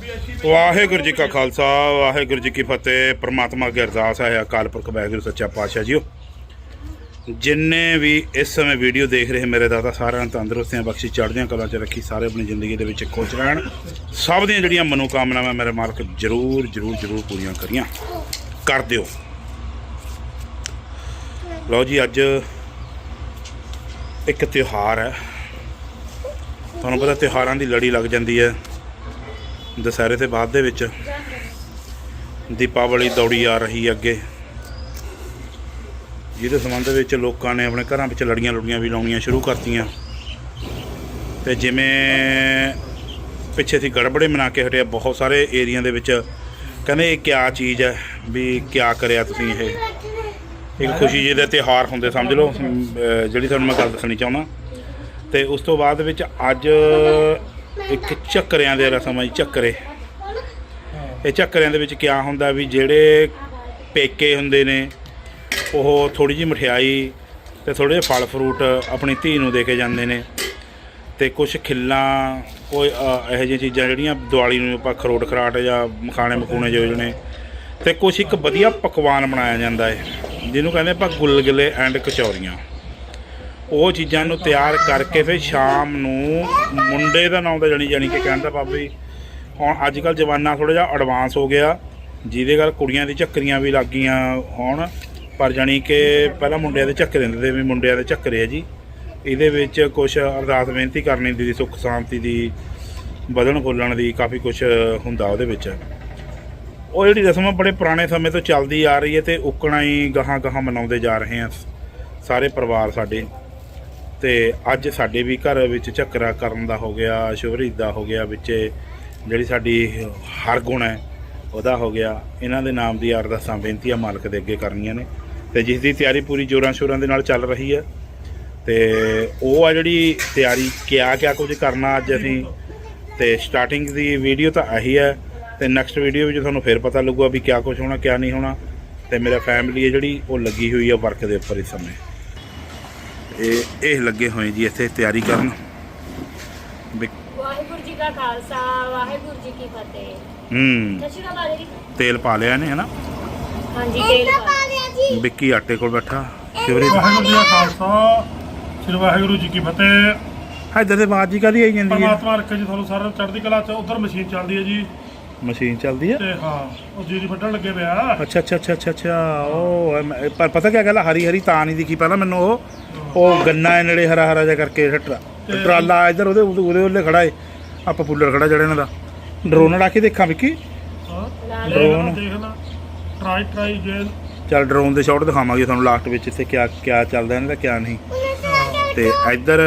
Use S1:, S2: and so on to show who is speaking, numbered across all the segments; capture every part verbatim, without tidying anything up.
S1: ਵਾਹਿਗੁਰੂ ਜੀ ਕਾ ਖਾਲਸਾ ਵਾਹਿਗੁਰੂ ਜੀ ਕੀ ਫਤਿਹ। परमात्मा की अरदास है अकाल पुरख वाहिगुरू सच्चा पातशाह जीओ। जिन्ने भी इस समय वीडियो देख रहे मेरे दादा सारे तंदुरुस्तियां बख्शी चढ़दियां कलां च रखी, सारे अपनी जिंदगी दे विच खुश रहन, सब दियां जिहड़ियां मनोकामनावां मेरे मालक जरूर जरूर जरूर पूरियां करियां कर दिओ। लो जी अज एक त्यौहार है, तुहानूं पता त्यौहारां दी लड़ी लग जाती है। दशहरे से बाद दे विच दीपावली दौड़ी आ रही है अगे, जिहदे संबंध विच लोकां ने अपने घरां विच लड़ियां लुड़ियां भी लाउणियां शुरू करतीआं। ते जिवें पिछे सी गड़बड़े मना के हटिया, बहुत सारे एरिया दे विच कहंदे ये क्या चीज़ है, भी क्या करिया तुसीं, ये एक खुशी जी दे त्यौहार हुंदे समझ लो, जिहड़ी तुहानूं मैं गल दस्सणी चाहुंदा। ते उस तो बाद विच अज एक झक्करियां दे रसम है। झक्करे ये झक्करियां दे विच क्या हुंदा भी जिहड़े पेके हुंदे ने वो थोड़ी जी मठियाई ते थोड़े फल फ्रूट अपनी धी नूं दे के जांदे ने, ते कुछ खिल्लां कोई इहो जिहियां चीज़ां जिहड़ियां दिवाली नूं आपां खरोट खराट जां मखाने मखूने योजने, ते कुछ एक वधिया पकवान बनाया जांदा है जिहनूं कहंदे आपां गुलगुले एंड कचौरियां। वो चीज़ों को तैयार करके फिर शाम नूं मुंडे का नाम तो जानी जानी कि कहता भाभी हुण अजकल जमाना थोड़ा जिहा एडवांस हो गया, जिहदे गल कुड़ियां दी झक्करियां भी लग गईयां होण, पर जानी कि पहला मुंडियां दे झक्करे हुंदे भी मुंडियां दे झक्करे है जी। इहदे विच कुछ अरदास बेनती करनी दी, सुख शांति दी, बधण फुੱਲਣ दी, काफ़ी कुछ हुंदा उहदे विच। ਉਹ ਜਿਹੜੀ रस्म बड़े पुराने समय तो चलती आ रही है, तो उकणा ही गਾਹਾਂ ਗਾਹਾਂ मनाउंदे जा रहे हैं सारे परिवार साडे। तो अज साडे भी घर विच झक्करा करन दा हो गया, शुभरीत दा हो गया, विच जिहड़ी साडी हरगुण है उहदा हो गया। इन्हां दे नाम दी अरदासां बेनतियां मालक दे अगे करनियां ने, ते जिस दी तैयारी पूरी जोरां शोरां दे नाल चल रही है। ते ओह आ जिहड़ी तैयारी क्या क्या कुछ करना अज असीं, ते स्टार्टिंग दी वीडियो तो आही है, ते नैक्सट वीडियो विच तुहानूं फिर पता लगूगा भी क्या कुछ होना क्या नहीं होना। ते मेरा फैमिली है जिहड़ी ओह लगी हुई है वर्क दे उपर इस समय। ਇਹ ਲੱਗੇ ਹੋਏ ਜੀ ਇੱਥੇ ਤਿਆਰੀ ਕਰਨ।
S2: ਵਾਹਿਗੁਰੂ ਜੀ ਕਾ ਖਾਲਸਾ ਵਾਹਿਗੁਰੂ ਜੀ ਕੀ ਫਤਿਹ।
S1: ਹੂੰ
S2: ਦਸ਼ਿਕਾ ਪਾ ਦੇ,
S1: ਤੇਲ ਪਾ ਲਿਆ ਨੇ ਹਨਾ।
S2: ਹਾਂਜੀ ਤੇਲ ਪਾ ਲਿਆ ਜੀ।
S1: ਵਿੱਕੀ ਆਟੇ ਕੋਲ ਬੈਠਾ। ਸ਼ਿਵਰੀ
S3: ਵਾਹਿਗੁਰੂ ਜੀ ਕਾ ਖਾਲਸਾ ਸ੍ਰੀ ਵਾਹਿਗੁਰੂ ਜੀ ਕੀ ਫਤਿਹ।
S1: ਇੱਧਰ ਦੇ ਆਵਾਜ਼ ਜੀ ਕਾਹਦੀ ਆਈ ਜਾਂਦੀ ਹੈ?
S3: ਪਰਮਾਤਮਾ ਰੱਖੇ ਜੀ ਤੁਹਾਨੂੰ ਸਾਰਿਆਂ ਨੂੰ ਚੜ੍ਹਦੀ ਕਲਾ ਚ। ਉਧਰ ਮਸ਼ੀਨ ਚੱਲਦੀ ਹੈ ਜੀ,
S1: ਮਸ਼ੀਨ ਚੱਲਦੀ ਹੈ
S3: ਤੇ ਹਾਂ ਉਹ ਜੀਰੀ ਫੱਟਣ ਲੱਗੇ ਪਿਆ।
S1: ਅੱਛਾ ਅੱਛਾ ਅੱਛਾ ਅੱਛਾ ਅੱਛਾ ਉਹ ਮੈਂ- ਪਰ ਪਤਾ ਕੀ ਗੱਲ, ਹਰੀ ਹਰੀ ਤਾਂ ਨਹੀਂ ਦਿਖੀ ਪਹਿਲਾਂ ਮੈਨੂੰ। ਉਹ ਉਹ ਗੰਨਾ ਹੈ ਨੇੜੇ ਹਰਾ ਹਰਾ ਜਿਹਾ ਕਰਕੇ ਟਰਾ- ਟਰਾਲਾ ਇੱਧਰ ਉਹਦੇ ਉਹਦੇ ਉਹਦੇ ਖੜਾ ਏ, ਆ ਪਪੂਲਰ ਖੜਾ ਜਿਹੜਾ ਇਹਨਾਂ ਦਾ। ਡਰੋਨ ਲਾ ਕੇ ਦੇਖਾਂ ਵਿੱਕੀ,
S3: ਹਾਂ
S1: ਡਰੋਨ
S3: ਦੇਖ ਲੈ, ਟਰਾਈ ਟਰਾਈ ਜੇ
S1: ਚੱਲ ਡਰੋਨ ਦੇ ਸ਼ਾਟ ਦਿਖਾਵਾਂਗੇ ਤੁਹਾਨੂੰ ਲਾਸਟ ਵਿੱਚ ਇੱਥੇ ਕਿਆ ਕਿਆ ਚੱਲਦਾ ਇਹਨਾਂ ਦਾ ਕਿਆ ਨਹੀਂ। ਤੇ ਇੱਧਰ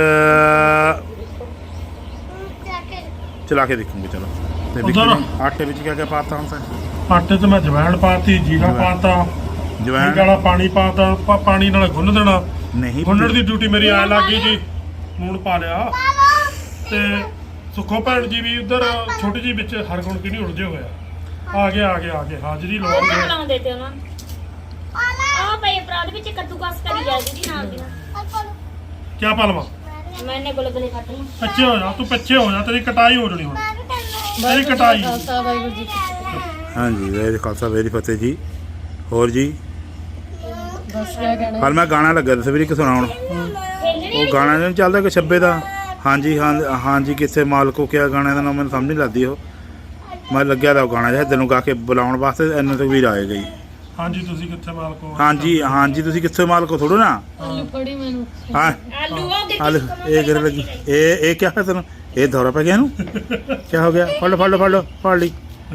S1: ਚਲਾ ਕੇ ਦੇਖੂੰਗੇ ਚਲੋ। ਤੇ ਵਿੱਕੀ ਨੇ ਆਟੇ ਵਿੱਚ ਕਿਆ ਕਿਆ ਪਾਤਾ ਹੁਣ ਤਾਂ?
S3: ਆਟੇ 'ਚ ਮੈਂ ਜਵੈਣ ਪਾਤੀ, ਜੀਰਾ ਪਾਤਾ,
S1: ਜਵੈਣ
S3: ਵਾਲਾ ਪਾਣੀ ਪਾਤਾ, ਪਾ- ਪਾਣੀ ਨਾਲ ਗੁੰਨ ਦੇਣਾ।
S1: ਨਹੀਂ
S3: ਗੁੰਨਣ ਦੀ ਡਿਊਟੀ ਮੇਰੀ ਆ ਲੱਗ ਗਈ ਜੀ। ਲੂਣ ਪਾ ਲਿਆ, ਤੇ ਸੁੱਖੋ ਭੈਣ ਜੀ ਵੀ ਉਧਰ ਛੋਟੀ ਜੀ ਵਿੱਚ ਹਰਗੁਣ ਕਿ ਨਹੀਂ ਉਲਝੇ ਹੋਇਆ। ਆ ਗਿਆ ਆ ਗਿਆ ਆ ਗਿਆ ਹਾਜ਼ਰੀ ਲਾਉਂਦੇ
S2: ਲਾਉਂਦੇ ਤੇ ਉਹਨਾਂ ਆ ਪਈ ਅਪਰਾਧ ਵਿੱਚ ਕੱਦੂਕਸ ਕਰੀ ਜਾ ਜੀ ਨਾਲ ਦੀ ਨਾਲ।
S3: ਕਿਆ ਪਾ ਲਵਾਂ?
S2: ਮੈਨੇ ਗੁਲਗੁਲੇ ਕੱਟ ਲਏ।
S3: ਪਿੱਛੇ ਹੋ ਜਾ ਤੂੰ, ਪਿੱਛੇ ਹੋ ਜਾ, ਤੇਰੀ ਕਟਾਈ ਹੋ ਜਣੀ ਹੁਣ, ਤੇਰੀ ਕਟਾਈ।
S2: ਵਾਹਿਗੁਰੂ ਜੀ
S1: ਹਾਂਜੀ ਵੈਰੀ ਖਾਲਸਾ ਵੈਰੀ ਫਤਿਹ ਜੀ। ਹੋਰ ਜੀ
S2: ਬਸ ਕਿਆ ਕਹਿਣਾ।
S1: ਹਾਲ ਮੈਂ ਗਾਣਾ ਲੱਗਾ ਤਸਵੀਰ ਇੱਕ ਸੁਣਾਉਣ। ਉਹ ਗਾਣਾ ਨਹੀਂ ਚੱਲਦਾ ਕਿ ਛੱਬੇ ਦਾ? ਹਾਂਜੀ ਹਾਂ ਹਾਂਜੀ ਕਿੱਥੇ ਮਾਲਕੋ ਕਿਆ ਗਾਣੇ ਦਾ ਨਾਮ ਮੈਨੂੰ ਸਮਝ ਨਹੀਂ ਲੱਗਦੀ। ਉਹ ਮੈਂ ਲੱਗਿਆ ਤਾਂ ਉਹ ਗਾਣਾ ਜਿਹਾ ਤੈਨੂੰ ਗਾ ਕੇ ਬੁਲਾਉਣ ਵਾਸਤੇ ਇੰਨੇ ਤੱਕ ਵੀ ਆਏ ਗਈ।
S3: ਹਾਂਜੀ ਤੁਸੀਂ ਕਿੱਥੇ ਮਾਲਕੋ?
S1: ਹਾਂਜੀ ਹਾਂਜੀ ਤੁਸੀਂ ਕਿੱਥੇ ਮਾਲਕੋ ਥੋੜੋ ਨਾ।
S2: ਆਲੂ ਕੜੀ ਮੈਨੂੰ
S1: ਹਾਂ
S2: ਆਲੂ ਉਹ
S1: ਆਲੂ ਇਹ ਗਿਰ ਲੱਗੀ। ਇਹ ਇਹ ਕਿਆ ਹੈ ਤੈਨੂੰ? ਇਹ ਦੌਰਾ ਪੈ ਗਿਆ ਇਹਨੂੰ? ਕਿਆ ਹੋ ਗਿਆ? ਫੜ ਲਓ ਫੜ ਲਓ ਫੜ ਲਓ ਫੜ ਲਈ।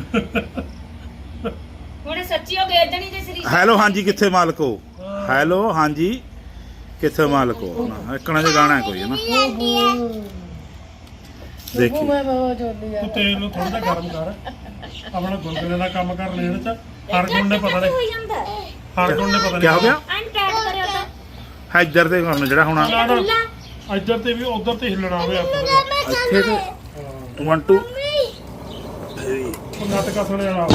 S2: ਹੁਣ ਸੱਚੀ ਹੋ ਗਏ ਜਣੀ ਦੇ ਸਰੀਰ।
S1: ਹੈਲੋ ਹਾਂਜੀ ਕਿੱਥੇ ਮਾਲਕੋ? ਹੈਲੋ ਹਾਂਜੀ ਕਿੱਥੇ ਮਾਲਕੋ? ਇੱਕਣਾ ਜਿਹਾ ਗਾਣਾ ਹੈ ਕੋਈ ਹੈ ਨਾ, ਦੇਖੀ।
S3: ਤੂੰ ਤੇਲ ਨੂੰ ਥੋੜਾ ਜਿਹਾ ਗਰਮ ਕਰ, ਆਪਣਾ ਗੁਲਗੁਲੇ ਦਾ ਕੰਮ ਕਰ ਲੈਣ ਚ। ਹਰਗੁਣ ਨੇ ਪਤਾ
S2: ਹੋ
S3: ਨਹੀਂ,
S2: ਜਾਂਦਾ
S3: ਹਰਗੁਣ ਨੇ ਪਤਾ
S1: ਕਿਆ ਹੋ
S3: ਨਹੀਂ
S1: ਗਿਆ?
S2: ਅਨਟੈਕ ਕਰਿਓ ਤਾਂ
S1: ਹੈ ਇੱਧਰ ਤੇ ਹੁਣ ਜਿਹੜਾ ਹੁਣ
S3: ਇੱਧਰ ਤੇ ਵੀ ਉਧਰ ਤੇ ਹਿੱਲਣਾ ਹੋਵੇ ਆਪਾਂ
S1: ਇੱਥੇ ਤੇ ਵਨ ਟੂ
S3: ਉਹ ਨਾਟਕਾ ਸੁਣਿਆ ਨਾ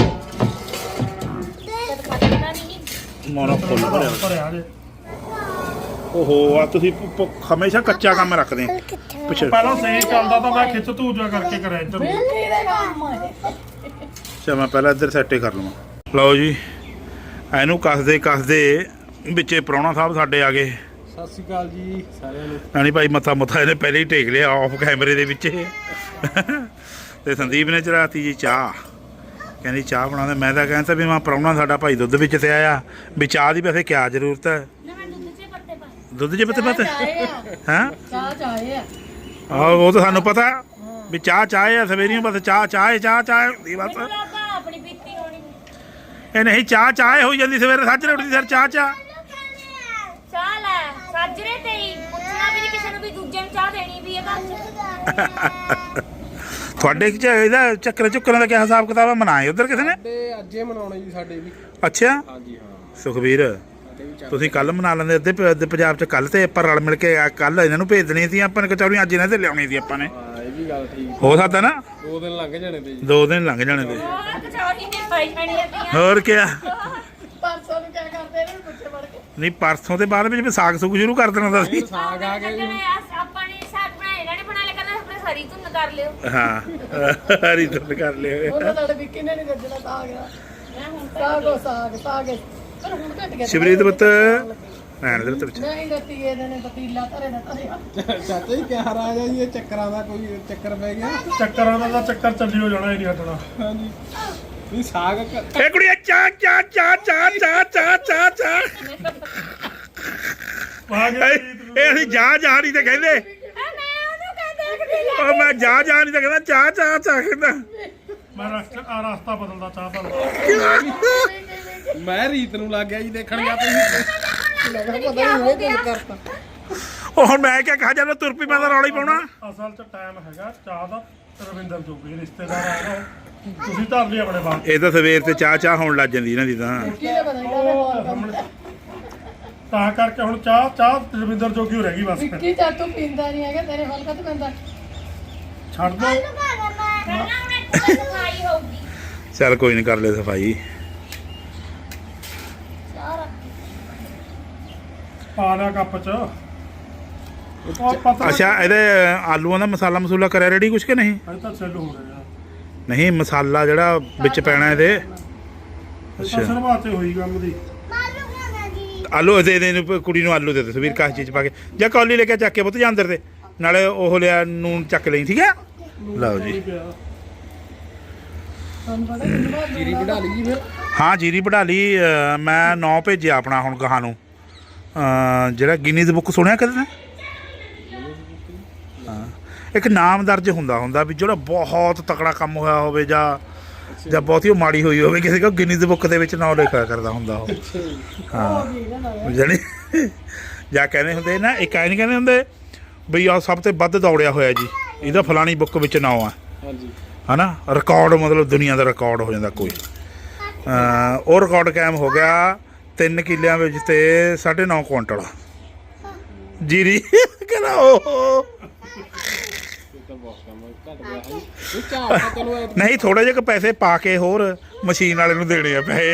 S1: ਮੋਨੋ ਫੁੱਲ ਭਰਿਆ
S3: ਭਰਿਆ ਜੇ।
S1: ਓਹੋ ਆ ਤੁਸੀਂ ਪ- ਪ- ਹਮੇਸ਼ਾ ਕੱਚਾ ਕੰਮ ਰੱਖਦੇ ਆ ਪਿੱਛੇ।
S3: ਪਹਿਲਾਂ ਸਹੀ ਚੱਲਦਾ ਤਾਂ ਮੈਂ ਖਿੱਚ ਧੂਜਾ ਕਰਕੇ ਕਰਿਆ ਇੱਧਰ ਨੂੰ।
S1: ਚਾ ਮੈਂ ਪਹਿਲਾਂ ਇੱਧਰ ਸੈੱਟੇ ਕਰ ਲਵਾਂ। ਲਓ ਜੀ ਇਹਨੂੰ ਕੱਸਦੇ ਕੱਸਦੇ ਵਿੱਚੇ ਪ੍ਰਾਹੁਣਾ ਸਾਹਿਬ ਸਾਡੇ ਆ ਗਏ।
S4: ਸਤਿ ਸ਼੍ਰੀ ਅਕਾਲ ਜੀ ਸਾਰਿਆਂ ਨੂੰ।
S1: ਨਹੀਂ ਭਾਈ ਮੱਥਾ ਮੁੱਥਾ ਇਹਨੇ ਪਹਿਲੇ ਹੀ ਟੇਕ ਲਿਆ ਆਫ ਕੈਮਰੇ ਦੇ ਵਿੱਚ। ਤੇ ਸੰਦੀਪ ਨੇ ਚੜਾਤੀ ਜੀ ਚਾਹ, ਕਹਿੰਦੀ ਚਾਹ ਬਣਾਉਂਦੇ। ਮੈਂ ਤਾਂ ਕਹਿੰਦਾ ਵੀ ਮੈਂ ਪ੍ਰਾਹੁਣਾ ਸਾਡਾ ਭਾਈ ਦੁੱਧ ਵਿੱਚ ਤੇ ਆਇਆ ਵੀ ਚਾਹ ਦੀ ਵੈਸੇ ਕਿਆ ਜ਼ਰੂਰਤ ਹੈ,
S2: ਨਾ ਮੈਂ ਦੁੱਧ 'ਚ ਪੱਤੇ ਪਾਏ।
S1: ਦੁੱਧ 'ਚ ਪੱਤੇ ਪੱਤੇ ਹੈਂ
S5: ਚਾਹ ਚਾਹੇ ਆ
S1: ਆਹ ਉਹ ਤਾਂ ਸਾਨੂੰ ਪਤਾ ਵੀ ਚਾਹ ਚਾਹ ਆ ਸਵੇਰੀਆਂ ਬਸ ਚਾਹ ਚਾਹ ਚਾਹ ਚਾਹ ਹੁੰਦੀ ਬਸ।
S2: ਮੈਨੂੰ ਲੱਗਾ ਆਪਣੀ ਪੀਤੀ ਹੋਣੀ।
S1: ਇਹ ਨਹੀਂ ਚਾਹ ਚਾਹ ਹੋਈ ਜਾਂਦੀ ਸਵੇਰੇ ਸਾਜਰੇ ਉੱਠਦੀ ਸਰ ਚਾਹ ਚਾਹ
S2: ਚਾਹ ਲੈ ਸਾਜਰੇ ਤੇ ਹੀ ਪੁੱਛਣਾ ਵੀ ਨੀ ਕਿਸੇ ਨੂੰ ਵੀ ਦੂਜੇ ਨੂੰ ਚਾਹ ਦੇਣੀ ਵੀ ਹੈ ਘਰ 'ਚ।
S1: ਤੁਹਾਡੇ ਚ ਇਹਦਾ ਚੱਕਰ ਚੁੱਕਰਾਂ ਦਾ ਕੀ ਹਿਸਾਬ ਕਿਤਾਬ ਹੈ? ਮਨਾਏ ਉਧਰ ਕਿਸੇ ਨੇ?
S4: ਤੇ ਅੱਜੇ ਮਨਾਉਣੇ ਜੀ ਸਾਡੇ ਵੀ।
S1: ਅੱਛਾ
S4: ਹਾਂਜੀ ਹਾਂ
S1: ਸੁਖਬੀਰ
S4: ਸਾਡੇ ਵੀ ਚੱਲ
S1: ਤੁਸੀਂ ਕੱਲ ਮਨਾ ਲੈਂਦੇ ਅੱਧੇ ਪ- ਅੱਧੇ ਪੰਜਾਬ ਚ ਕੱਲ ਤੇ ਆਪਾਂ ਰਲ ਮਿਲ ਕੇ ਕੱਲ ਇਹਨਾਂ ਨੂੰ ਭੇਜ ਦੇਣੀ ਸੀ ਆਪਾਂ ਨੇ ਕਚੌਰੀਆਂ ਅੱਜ ਇਹਨਾਂ ਤੇ ਲਿਆਉਣੀ ਸੀ ਆਪਾਂ ਨੇ।
S4: ਹਾਂ ਇਹ ਵੀ ਗੱਲ ਠੀਕ।
S1: ਹੋ ਸਕਦਾ ਨਾ
S4: ਦੋ ਦਿਨ ਲੰਘ ਜਾਣੇ ਤੇ ਜੀ।
S1: ਦੋ ਦਿਨ ਲੰਘ ਜਾਣੇ ਤੇ।
S2: ਹੋਰ ਕਚੌਰੀ ਨੇ ਪਾਈ ਜਾਣੀ ਆ।
S1: ਹੋਰ ਕਿਆ
S5: ਪਰਸੋਂ ਨੂੰ ਕਿਆ ਕਰਦੇ ਨੇ ਪੁੱਛੇ ਵੜ ਕੇ
S1: ਨਹੀਂ ਪਰਸੋਂ ਦੇ ਬਾਅਦ ਵਿੱਚ ਸਾਗ ਸੁਗ ਸ਼ੁਰੂ ਕਰ ਦੇਣਾ ਤਾਂ ਸੀ।
S4: ਫਿਰ ਸਾਗ ਆ ਗਿਆ ਜੀ।
S2: ਆਪਾਂ ਨੇ ਸਾਗ ਬਣਾਏ ਇਹਨਾਂ ਨੇ ਬਣਾ ਲਿਆ ਕਹਿੰਦਾ ਆਪਣੇ ਸਾਰੀ ਧੁੰਨ ਕਰ ਲਿਓ।
S1: ਹਾਂ ਹਰੀ ਤੁੰਨ ਕਰ ਲਿਓ।
S5: ਉਹਨਾਂ ਸਾਡੇ ਵਿੱਕੀ ਨੇ ਨਹੀਂ ਗੱਜਣਾ ਤਾਂ ਆ ਗਿਆ
S2: ਮੈਂ ਹੁਣ
S5: ਸਾਗੋ ਸਾਗ ਸਾਗ ਪਰ ਹੁਣ ਘਟ ਗਿਆ
S1: ਸ਼ਿਵਰੀਤ ਪੁੱਤ ਐਨ ਦੇ ਵਿੱਚ
S5: ਨਹੀਂ ਦਿੱਤੀ ਇਹਦੇ ਨੇ ਪਤੀਲਾ ਧਰੇ ਦਾ ਧਰਿਆ।
S4: ਚਾਚਾ ਜੀ ਕਿਆ ਹਾਲ ਆ ਗਿਆ ਜੀ? ਇਹ ਚੱਕਰਾਂ ਦਾ ਕੋਈ ਚੱਕਰ ਪੈ ਗਿਆ?
S3: ਚੱਕਰਾਂ ਦਾ ਤਾਂ ਚੱਕਰ ਚੱਲੀ ਹੋ ਜਾਣਾ ਹੀ ਨਹੀਂ ਹਟਣਾ।
S4: ਹਾਂਜੀ ਵੀ ਸਾਗ ਕ-
S1: ਇਹ ਕੁੜੀਆ ਚਾਹ ਚਾਹ ਚਾਹ ਚਾਹ ਚਾਹ ਚਾਹ ਚਾਹ ਚਾਹ
S3: ਆ ਗਿਆ
S1: ਇਹ ਇਹ ਅਸੀਂ ਜਾ ਜਾ ਨਹੀਂ ਤੇ ਕਹਿੰਦੇ
S2: ਆ ਮੈਂ ਉਹਨੂੰ ਕਹਿੰਦਾ ਕਿ
S1: ਉਹ ਮੈਂ ਜਾ ਜਾ ਨਹੀਂ ਤੇ ਕਹਿੰਦਾ ਚਾਹ ਚਾਹ ਚਾਹ ਕਹਿੰਦਾ।
S3: ਮੈਂ ਰਸਤਾ ਆ ਰਸਤਾ ਬਦਲਦਾ ਚਾਹ ਦਾ।
S4: ਮੈਂ ਰੀਤ ਨੂੰ ਲੱਗ ਗਿਆ ਜੀ ਦੇਖਣ ਗਿਆ ਤੁਸੀਂ।
S5: ਲੱਗਾ ਪਤਾ ਨਹੀਂ ਇਹ ਗੱਲ ਕਰਤਾ
S1: ਉਹ ਹੁਣ ਮੈਂ ਕਿਆ ਕਹਾ ਜਾਂਦਾ ਤੁਰ ਪਈ ਮੈਂ ਤਾਂ ਰੌਲਾ ਹੀ ਪਾਉਣਾ।
S3: ਅਸਲ 'ਚ ਟਾਈਮ ਹੈਗਾ ਚਾਹ ਦਾ। ਰਵਿੰਦਰ ਜੋਗੀ ਰਿਸ਼ਤੇਦਾਰ ਆਇਆ ਉਹ। ਤੁਸੀਂ ਧਰ ਲਈ ਆਪਣੇ ਬਾਪ।
S1: ਇਹ ਤਾਂ ਸਵੇਰ ਤੇ ਚਾਹ ਚਾਹ ਹੋਣ ਲੱਗ ਜਾਂਦੀ ਇਹਨਾਂ ਦੀ ਤਾਂ।
S5: ਕਿਹਨੇ ਪਤਾ ਨਹੀਂ ਕਾਹਦੇ
S3: ਉਹ
S5: ਹਾਲ
S3: ਸਾਹਮਣੇ ਤਾਂ ਕਰਕੇ ਹੁਣ ਚਾਹ ਚਾਹ ਰਵਿੰਦਰ ਜੋਗੀ ਹੋ ਰਹਿ ਗਈ ਬਸ।
S5: ਵਿੱਕੀ ਤਾਂ ਤੂੰ ਪੀਂਦਾ ਨਹੀਂ ਹੈਗਾ ਤੇਰੇ ਹਾਲ ਕਦ ਪੈਂਦਾ
S3: ਛੱਡ ਦੋ।
S2: ਪਹਿਲਾਂ ਹੁਣ ਇੱਕ ਸਫਾਈ ਹੋਊਗੀ।
S1: ਚੱਲ ਕੋਈ ਨਹੀਂ ਕਰ ਲੈ ਸਫਾਈ।
S3: ਪਾ ਲਿਆ ਕੱਪ 'ਚ। ਉਹ ਪਤਾ
S1: ਅੱਛਾ ਇਹਦੇ ਆਲੂਆਂ ਦਾ ਮਸਾਲਾ ਮਸੂਲਾ ਕਰਿਆ ਰੈਡੀ ਕੁਛ ਕਿ ਨਹੀਂ?
S3: ਅਜੇ ਤਾਂ ਸੈੱਲ ਹੋ ਰਿਹਾ।
S1: ਨਹੀਂ ਮਸਾਲਾ ਜਿਹੜਾ ਵਿੱਚ ਪੈਣਾ ਇਹਦੇ।
S3: ਅੱਛਾ ਸ਼ੁਰੂਆਤ ਹੋਈ ਕੰਮ ਦੀ।
S1: ਆਲੂ ਦੇ ਦੇ ਇਹਨੂੰ ਕੁੜੀ ਨੂੰ ਆਲੂ ਦੇ ਦੇ ਸਵੀਰ ਕਾਹ ਚੀਜ਼ ਪਾ ਕੇ ਜਾਂ ਕੌਲੀ ਲੈ ਕੇ ਚੱਕ ਕੇ ਪੁੱਤ ਜਾਂ ਅੰਦਰ ਤੇ ਨਾਲੇ ਉਹ ਲਿਆ ਨੂਨ ਚੱਕ ਲਈ ਠੀਕ ਹੈ। ਲਓ ਜੀ
S5: ਸਾਨੂੰ ਪਤਾ ਕਿੰਨੀ ਵਾਰ
S4: ਜੀਰੀ ਵਢਾ ਲਈ ਜੀ ਫਿਰ।
S1: ਹਾਂ ਜੀਰੀ ਵਢਾ ਲਈ। ਅ, ਮੈਂ ਨੌ ਭੇਜਿਆ ਆਪਣਾ ਹੁਣ ਗਾਹਾਂ ਨੂੰ ਅ, ਜਿਹੜਾ ਗਿਨੀਜ਼ ਬੁੱਕ ਸੁਣਿਆ ਕਦੇ ਨੇ? ਹਾਂ ਇੱਕ ਨਾਮ ਦਰਜ ਹੁੰਦਾ ਹੁੰਦਾ ਵੀ ਜਿਹੜਾ ਬਹੁਤ ਤਕੜਾ ਕੰਮ ਹੋਇਆ ਹੋਵੇ ਜਾਂ ਜਾਂ ਬਹੁਤੀ ਉਹ ਮਾੜੀ ਹੋਈ ਹੋਵੇ ਕਿਸੇ ਕੋ ਗਿਨੀਜ਼ ਬੁੱਕ ਦੇ ਵਿੱਚ ਨਾਮ ਲਿਖਿਆ ਕਰਦਾ ਹੁੰਦਾ ਉਹ। ਹਾਂ ਜਾਣੀ ਜਾਂ ਕਹਿੰਦੇ ਹੁੰਦੇ ਨਾ ਇੱਕ ਐਂ ਨਹੀਂ ਕਹਿੰਦੇ ਹੁੰਦੇ ਬਈ ਆਹ ਸਭ ਤੋਂ ਵੱਧ ਦੌੜਿਆ ਹੋਇਆ ਜੀ ਇਹਦਾ ਫਲਾਣੀ ਬੁੱਕ ਵਿੱਚ ਨਾਮ ਆ
S4: ਹਾਂਜੀ
S1: ਹਨਾ। ਰਿਕਾਰਡ ਮਤਲਬ ਦੁਨੀਆ ਦਾ ਰਿਕਾਰਡ ਹੋ ਜਾਂਦਾ ਕੋਈ। ਅ, ਉਹ ਰਿਕਾਰਡ ਕਾਇਮ ਹੋ ਗਿਆ ਤਿੰਨ ਕਿੱਲਿਆਂ ਵਿੱਚ ਤੇ ਸਾਢੇ ਨੌ ਕੁਇੰਟਲ ਜੀਰੀ। ਕਹਿੰਦਾ ਉਹ
S4: ਇਹ ਤਾਂ ਬਹੁਤ ਕੰਮ ਘਟ ਗਿਆ ਹੈ ਜੀ। ਇਹ ਝਾੜ ਤਾਂ ਚਲੋ ਐ-
S1: ਨਹੀਂ ਥੋੜੇ ਜਿਹੇ ਕੁ ਪੈਸੇ ਪਾ ਕੇ ਹੋਰ ਮਸ਼ੀਨ ਵਾਲੇ ਨੂੰ ਦੇਣੇ ਆ ਪੈਸੇ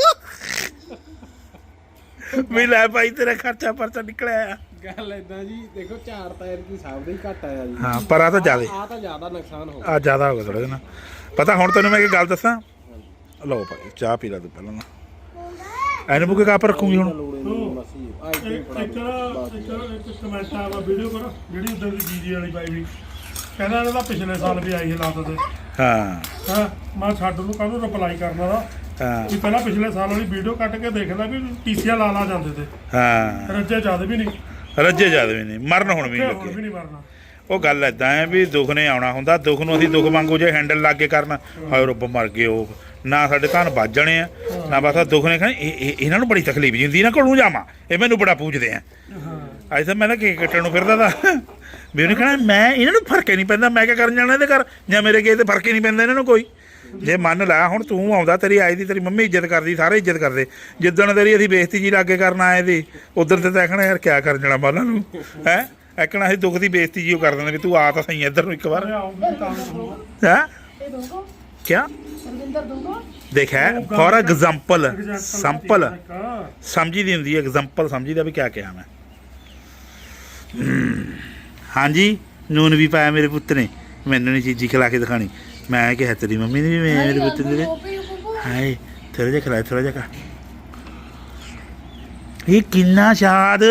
S1: ਵੀ ਲੈ ਭਾਈ ਤੇਰਾ ਖਰਚਾ ਪਰਚਾ ਨਿਕਲਿਆ।
S4: ਗੱਲ ਏਦਾਂ ਜੀ ਦੇਖੋ ਝਾੜ ਤਾਂ ਯਾਰ ਕੀ ਹਿਸਾਬ ਦਾ ਹੀ ਘਟ ਆਇਆ ਜੀ।
S1: ਹਾਂ ਪਰ ਆ ਤਾਂ ਜ਼ਿਆਦਾ
S4: ਆ ਤਾਂ ਜ਼ਿਆਦਾ ਨੁਕਸਾਨ ਹੋ
S1: ਆ ਜ਼ਿਆਦਾ ਹੋ ਗਿਆ ਥੋੜਾ ਜਿਹਾ ਨਾ। ਪਤਾ ਹੁਣ ਤੈਨੂੰ ਮੈਂ ਇੱਕ ਗੱਲ ਦੱਸਾਂ। ਲਓ ਭਾਈ ਚਾਹ ਪੀ ਲੈ ਤੂੰ ਪਹਿਲਾਂ ਨਾ ਐਨ ਬੁੱਕ ਕਾਪ ਰੱਖੂਗੀ ਹੁਣ।
S4: ਮਸੀ ਆ ਇੱਥੇ
S3: ਇੱਕ
S4: ਫੜਾ
S3: ਇੱਕ
S4: ਦਿਓ।
S3: ਇੱਕ ਇੱਕ ਕਮੈਂਟ ਆਵਾ ਵੀਡੀਓ ਕਰ ਜਿਹੜੀ ਉਧਰ ਦੀ ਜੀਜੀ ਵਾਲੀ ਪਾਈ ਵੀ ਕਹਿੰਦਾ ਇਹਨਾਂ ਦਾ ਪਿਛਲੇ ਸਾਲ ਵੀ ਆਈ ਹਾਲਾਤ ਤੇ।
S1: ਹਾਂ
S3: ਹਾਂ ਮੈਂ ਛੱਡ ਨੂੰ ਕਾਹਨੂੰ ਰਿਪਲਾਈ ਕਰਨਾ ਦਾ
S1: ਹਾਂ
S3: ਵੀ ਪਹਿਲਾਂ ਪਿਛਲੇ ਸਾਲ ਵਾਲੀ ਵੀਡੀਓ ਕੱਟ ਕੇ ਦੇਖਦਾ ਵੀ ਟੀਸੀਆਂ ਲਾ ਲਾ ਜਾਂਦੇ ਤੇ
S1: ਹਾਂ
S3: ਰੱਜੇ ਜਦ ਵੀ ਨਹੀਂ
S1: ਰੱਜੇ ਜ਼ਿਆਦਾ ਵੀ ਨਹੀਂ ਮਰਨ ਹੁਣ ਵੀ
S3: ਤੇ
S1: ਨਹੀਂ
S3: ਹੁਣ ਵੀ
S1: ਲੱਗੇ।
S3: ਨਹੀਂ ਮਰਨਾ।
S1: ਉਹ ਗੱਲ ਐਦਾਂ ਹੈ ਵੀ ਦੁੱਖ ਨੇ ਆਉਣਾ ਹੁੰਦਾ ਦੁੱਖ ਨੂੰ ਅਸੀਂ ਦੁੱਖ ਵਾਂਗੂ ਜੇ ਹੈਂਡਲ ਲਾ ਕੇ ਕਰਨਾ ਹਾਏ ਰੱਬ ਮਰ ਗਏ ਉਹ ਨਾ ਸਾਡੇ ਧਨ ਵੱਜ ਜਾਣੇ ਆ ਨਾ ਬਸ ਆਹ ਦੁੱਖ ਨੇ ਕਹਿਣਾ ਇਹ ਇਹ- ਇਹਨਾਂ ਨੂੰ ਬੜੀ ਤਕਲੀਫ ਜੀ ਹੁੰਦੀ ਇਹਨਾਂ ਕੋਲੋਂ ਜਾਵਾਂ ਇਹ ਮੈਨੂੰ ਬੜਾ ਪੁੱਛਦੇ ਆ। ਅੱਜ ਤਾਂ ਮੈਂ ਤਾਂ ਕੇਕ ਕੱਟਣ ਨੂੰ ਫਿਰਦਾ ਤਾ ਵੀ ਉਹਨੇ ਕਹਿਣਾ ਮੈਂ ਇਹਨਾਂ ਨੂੰ ਫਰਕ ਹੀ ਨਹੀਂ ਪੈਂਦਾ ਮੈਂ ਕਿਆ ਕਰਨ ਜਾਣਾ ਇਹਦੇ ਘਰ ਜਾਂ ਮੇਰੇ ਗਏ ਤੇ ਫਰਕ ਹੀ ਨਹੀਂ ਪੈਂਦਾ ਇਹਨਾਂ ਨੂੰ ਕੋਈ। ਜੇ ਮੰਨ ਲੈ ਹੁਣ ਤੂੰ ਆਉਂਦਾ ਤੇਰੀ ਆਈ ਦੀ ਤੇਰੀ ਮੰਮੀ ਇੱਜ਼ਤ ਕਰਦੀ ਸਾਰੇ ਇੱਜ਼ਤ ਕਰਦੇ ਜਿੱਦਣ ਤੇਰੀ ਅਸੀਂ ਬੇਇੱਜ਼ਤੀ ਜੀ ਲਾਗੇ ਕਰਨ ਆਏ ਦੀ ਉਧਰ ਤੇ ਤਾਂ ਆਖਣਾ ਯਾਰ ਕਿਆ ਕਰਨ ਜਾਣਾ ਬਾਲਾਂ ਨੂੰ ਹੈ ਐਕਣਾ ਅਸੀਂ ਦੁੱਖ ਦੀ ਬੇਇੱਜ਼ਤੀ ਜੀ ਉਹ ਕਰ ਦਿੰਦੇ ਵੀ ਤੂੰ ਆ ਤਾਂ ਸਹੀ ਇੱਧਰ ਨੂੰ ਇੱਕ ਵਾਰ
S3: ਅਰੇ ਆਉਂਗੀ ਤਾਂ ਸੁਣੋ।
S1: ਹੈ
S5: ਇਹ ਦੋਗੋ
S1: ਕਿਆ
S5: ਰਵਿੰਦਰ ਦੋਗੋ
S1: ਦੇਖ ਹੈ ਫॉर ਐਗਜ਼ਾਮਪਲ
S3: Example
S1: ਸੰਪਲ
S3: ਇੱਕ।
S1: ਸਮਝੀ ਦੀ ਹੁੰਦੀ ਹੈ ਐਗਜ਼ਾਮਪਲ ਸਮਝੀ ਦਾ ਵੀ ਕਿਆ ਕਿਹਾ ਮੈਂ। ਹਮ, ਹਾਂਜੀ ਨੂਨ ਵੀ ਪਾਇਆ ਮੇਰੇ ਪੁੱਤ ਨੇ ਮੈਨੂੰ ਨਹੀਂ ਚੀਜ਼ੀ ਖਿਲਾ ਕੇ ਦਿਖਾਣੀ ਮੈਂ ਕਿਹਾ ਤੇਰੀ ਮੰਮੀ ਨੇ ਵੀ ਮੈਂ ਮੇਰੇ ਪੁੱਤ ਦੇ ਹਾਏ ਥੋੜਾ ਜਿਹਾ ਖਿਲਾ ਥੋੜਾ ਜਿਹਾ ਖਾ ਇਹ ਕਿੰਨਾ ਸ਼ਾਦ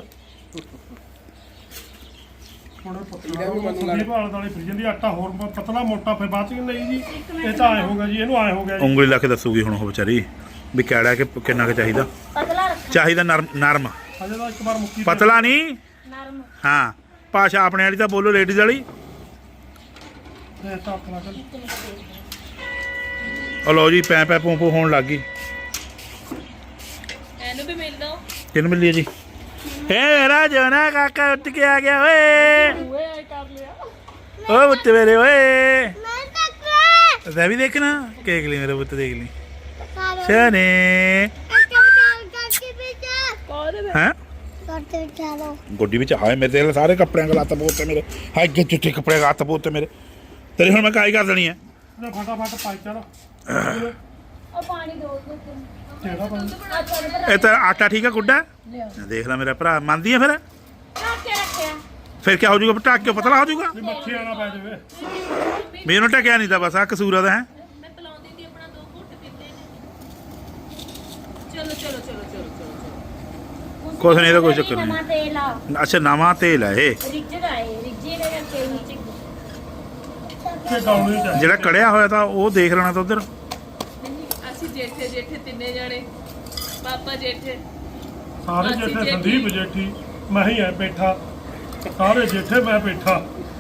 S3: ਹੁਣ ਸੰਦੀਪ ਆਲੇ ਦਾਲੇ ਫਿਰ ਜਾਂਦੀ ਆਟਾ ਹੋਰ ਪ- ਪਤਲਾ ਮੋਟਾ ਫਿਰ ਬਾਅਦ ਚ ਨਹੀਂ ਜੀ ਇਹ ਤਾਂ ਆਏ ਹੋਗਾ ਜੀ ਇਹਨੂੰ ਆਏ ਹੋ ਗਿਆ ਜੀ
S1: ਉਂਗਲੀ ਲਾ ਕੇ ਦੱਸੂਗੀ ਹੁਣ ਉਹ ਵਿਚਾਰੀ ਵੀ ਕਿਹੜਾ ਕਿ ਕਿੰਨਾ ਕੁ ਚਾਹੀਦਾ
S2: ਪਤਲਾ ਰੱਖ
S1: ਚਾਹੀਦਾ ਨਰਮ ਨਰਮ
S3: ਹਜੇ ਤਾਂ ਇੱਕ ਵਾਰ ਮੁੱਕੀ
S1: ਪਤਲਾ ਨਹੀਂ
S2: ਨਰਮ
S1: ਹਾਂ ਭਾਸ਼ਾ ਆਪਣੇ ਵਾਲੀ ਤਾਂ ਬੋਲੋ ਲੇਡੀਜ਼ ਵਾਲੀ
S3: ਤੇ ਤਾਂ ਆਪਣਾ ਚੱਲ
S1: ਉਹ ਲਓ ਜੀ ਪੈ ਪੈ ਪੂੰ ਪੂੰ ਹੋਣ ਲੱਗ ਗਈ
S2: ਇਹਨੂੰ ਵੀ ਮਿਲ ਦੋ
S1: ਕਿਹਨੂੰ ਮਿਲੀ ਹੈ ਜੀ ਏ ਰਾਜੋਨਾ ਕਾਕਾ ਉੱਠ ਕੇ ਆ ਗਿਆ ਓਏ
S2: ਓਏ ਆਈ ਕਰ ਲਿਆ
S1: ਓ ਪੁੱਤ ਮੇਰੇ ਓਏ ਮੈਂ ਵੀ ਦੇਖਣਾ ਕੇਕ ਲਈ ਮੇਰੇ ਪੁੱਤ ਦੇਖ ਲਈ ਸ਼ਾਨੇ ਹੈ ਗੱਡੀ ਵਿੱਚ ਹਾਏ ਮੇਰੇ ਤੇ ਸਾਰੇ ਕੱਪੜਿਆਂ ਦਾ ਲੱਤ ਪੋਤੇ ਮੇਰੇ ਹਾਏ ਕਿ ਚਿੱਟੇ ਕੱਪੜਿਆਂ ਦਾ ਲੱਤ ਪੋਤੇ ਮੇਰੇ ਤੇਰੀ ਹੁਣ ਮੈਂ ਕਾਈ ਕਰ ਦੇਣੀ ਹੈ
S3: ਤੇ ਫਟਾਫਟ ਪਾਈ ਚਲ
S2: ਉਹ ਪਾਣੀ ਦੋ ਦੋ
S3: ਕਿਹੜਾ ਪਾਣੀ
S2: ਆ ਚੱਲ
S1: ਇਹ ਤਾਂ ਆਟਾ ਠੀਕ ਆ ਗੁੱਡਾ
S5: ਲਿਆ
S1: ਦੇਖ ਲੈ ਮੇਰਾ ਭਰਾ ਮੰਨਦੀ ਆ ਫਿਰ
S2: ਰੱਖ ਕੇ ਰੱਖਿਆ
S1: ਫਿਰ ਕੀ ਹੋ ਜਾਊਗਾ ਢੱਕ ਕੇ ਪਤਲਾ ਹੋ ਜਾਊਗਾ
S3: ਵੀ ਮੱਛੀ ਆਣਾ ਪੈ ਜਾਵੇ
S1: ਵੀ ਇਹਨੂੰ ਢੱਕਿਆ ਨਹੀਂ ਤਾਂ ਬਸ ਆ ਕਸੂਰ ਆ ਦਾ ਹੈ
S2: ਮੈਂ ਪਲਾਉਂਦੀ ਸੀ ਆਪਣਾ ਦੋ ਘੁੱਟ ਪੀਤੇ ਨੇ ਚਲੋ ਚਲੋ ਚਲੋ ਚਲੋ ਚਲੋ
S1: ਕੁਛ ਨਹੀਂ ਇਹਦਾ ਕੋਈ ਚੱਕਰ ਨਹੀਂ।
S2: ਨਵਾਂ ਤੇਲ ਆ
S1: ਅੱਛਾ ਨਵਾਂ ਤੇਲ ਹੈ ਇਹ
S2: ਰਿੱਝ ਦਾ ਏ ਰਿੱਝੇ ਦੇ ਕਰਕੇ ਨੀਚੇ
S3: ਤੇ ਗਾਉਣੀ ਚਾਹੀਦੀ
S1: ਜਿਹੜਾ ਕੜਿਆ ਹੋਇਆ ਤਾਂ ਉਹ ਦੇਖ ਲੈਣਾ ਤਾਂ ਉਧਰ
S6: ਅਸੀਂ ਜੇਠੇ ਜੇਠੇ ਤਿੰਨੇ ਜਾਣੇ ਪਾਪਾ ਜੇਠੇ
S3: ਸਾਰੇ
S6: ਅਸੀਂ
S3: ਜੇਠੇ
S6: ਜੇਠੀ।
S3: ਸੰਦੀਪ ਜੇਠੀ ਮੈਂ ਹੀ ਐ ਬੈਠਾ ਸਾਰੇ ਜੇਠੇ ਮੈਂ ਬੈਠਾ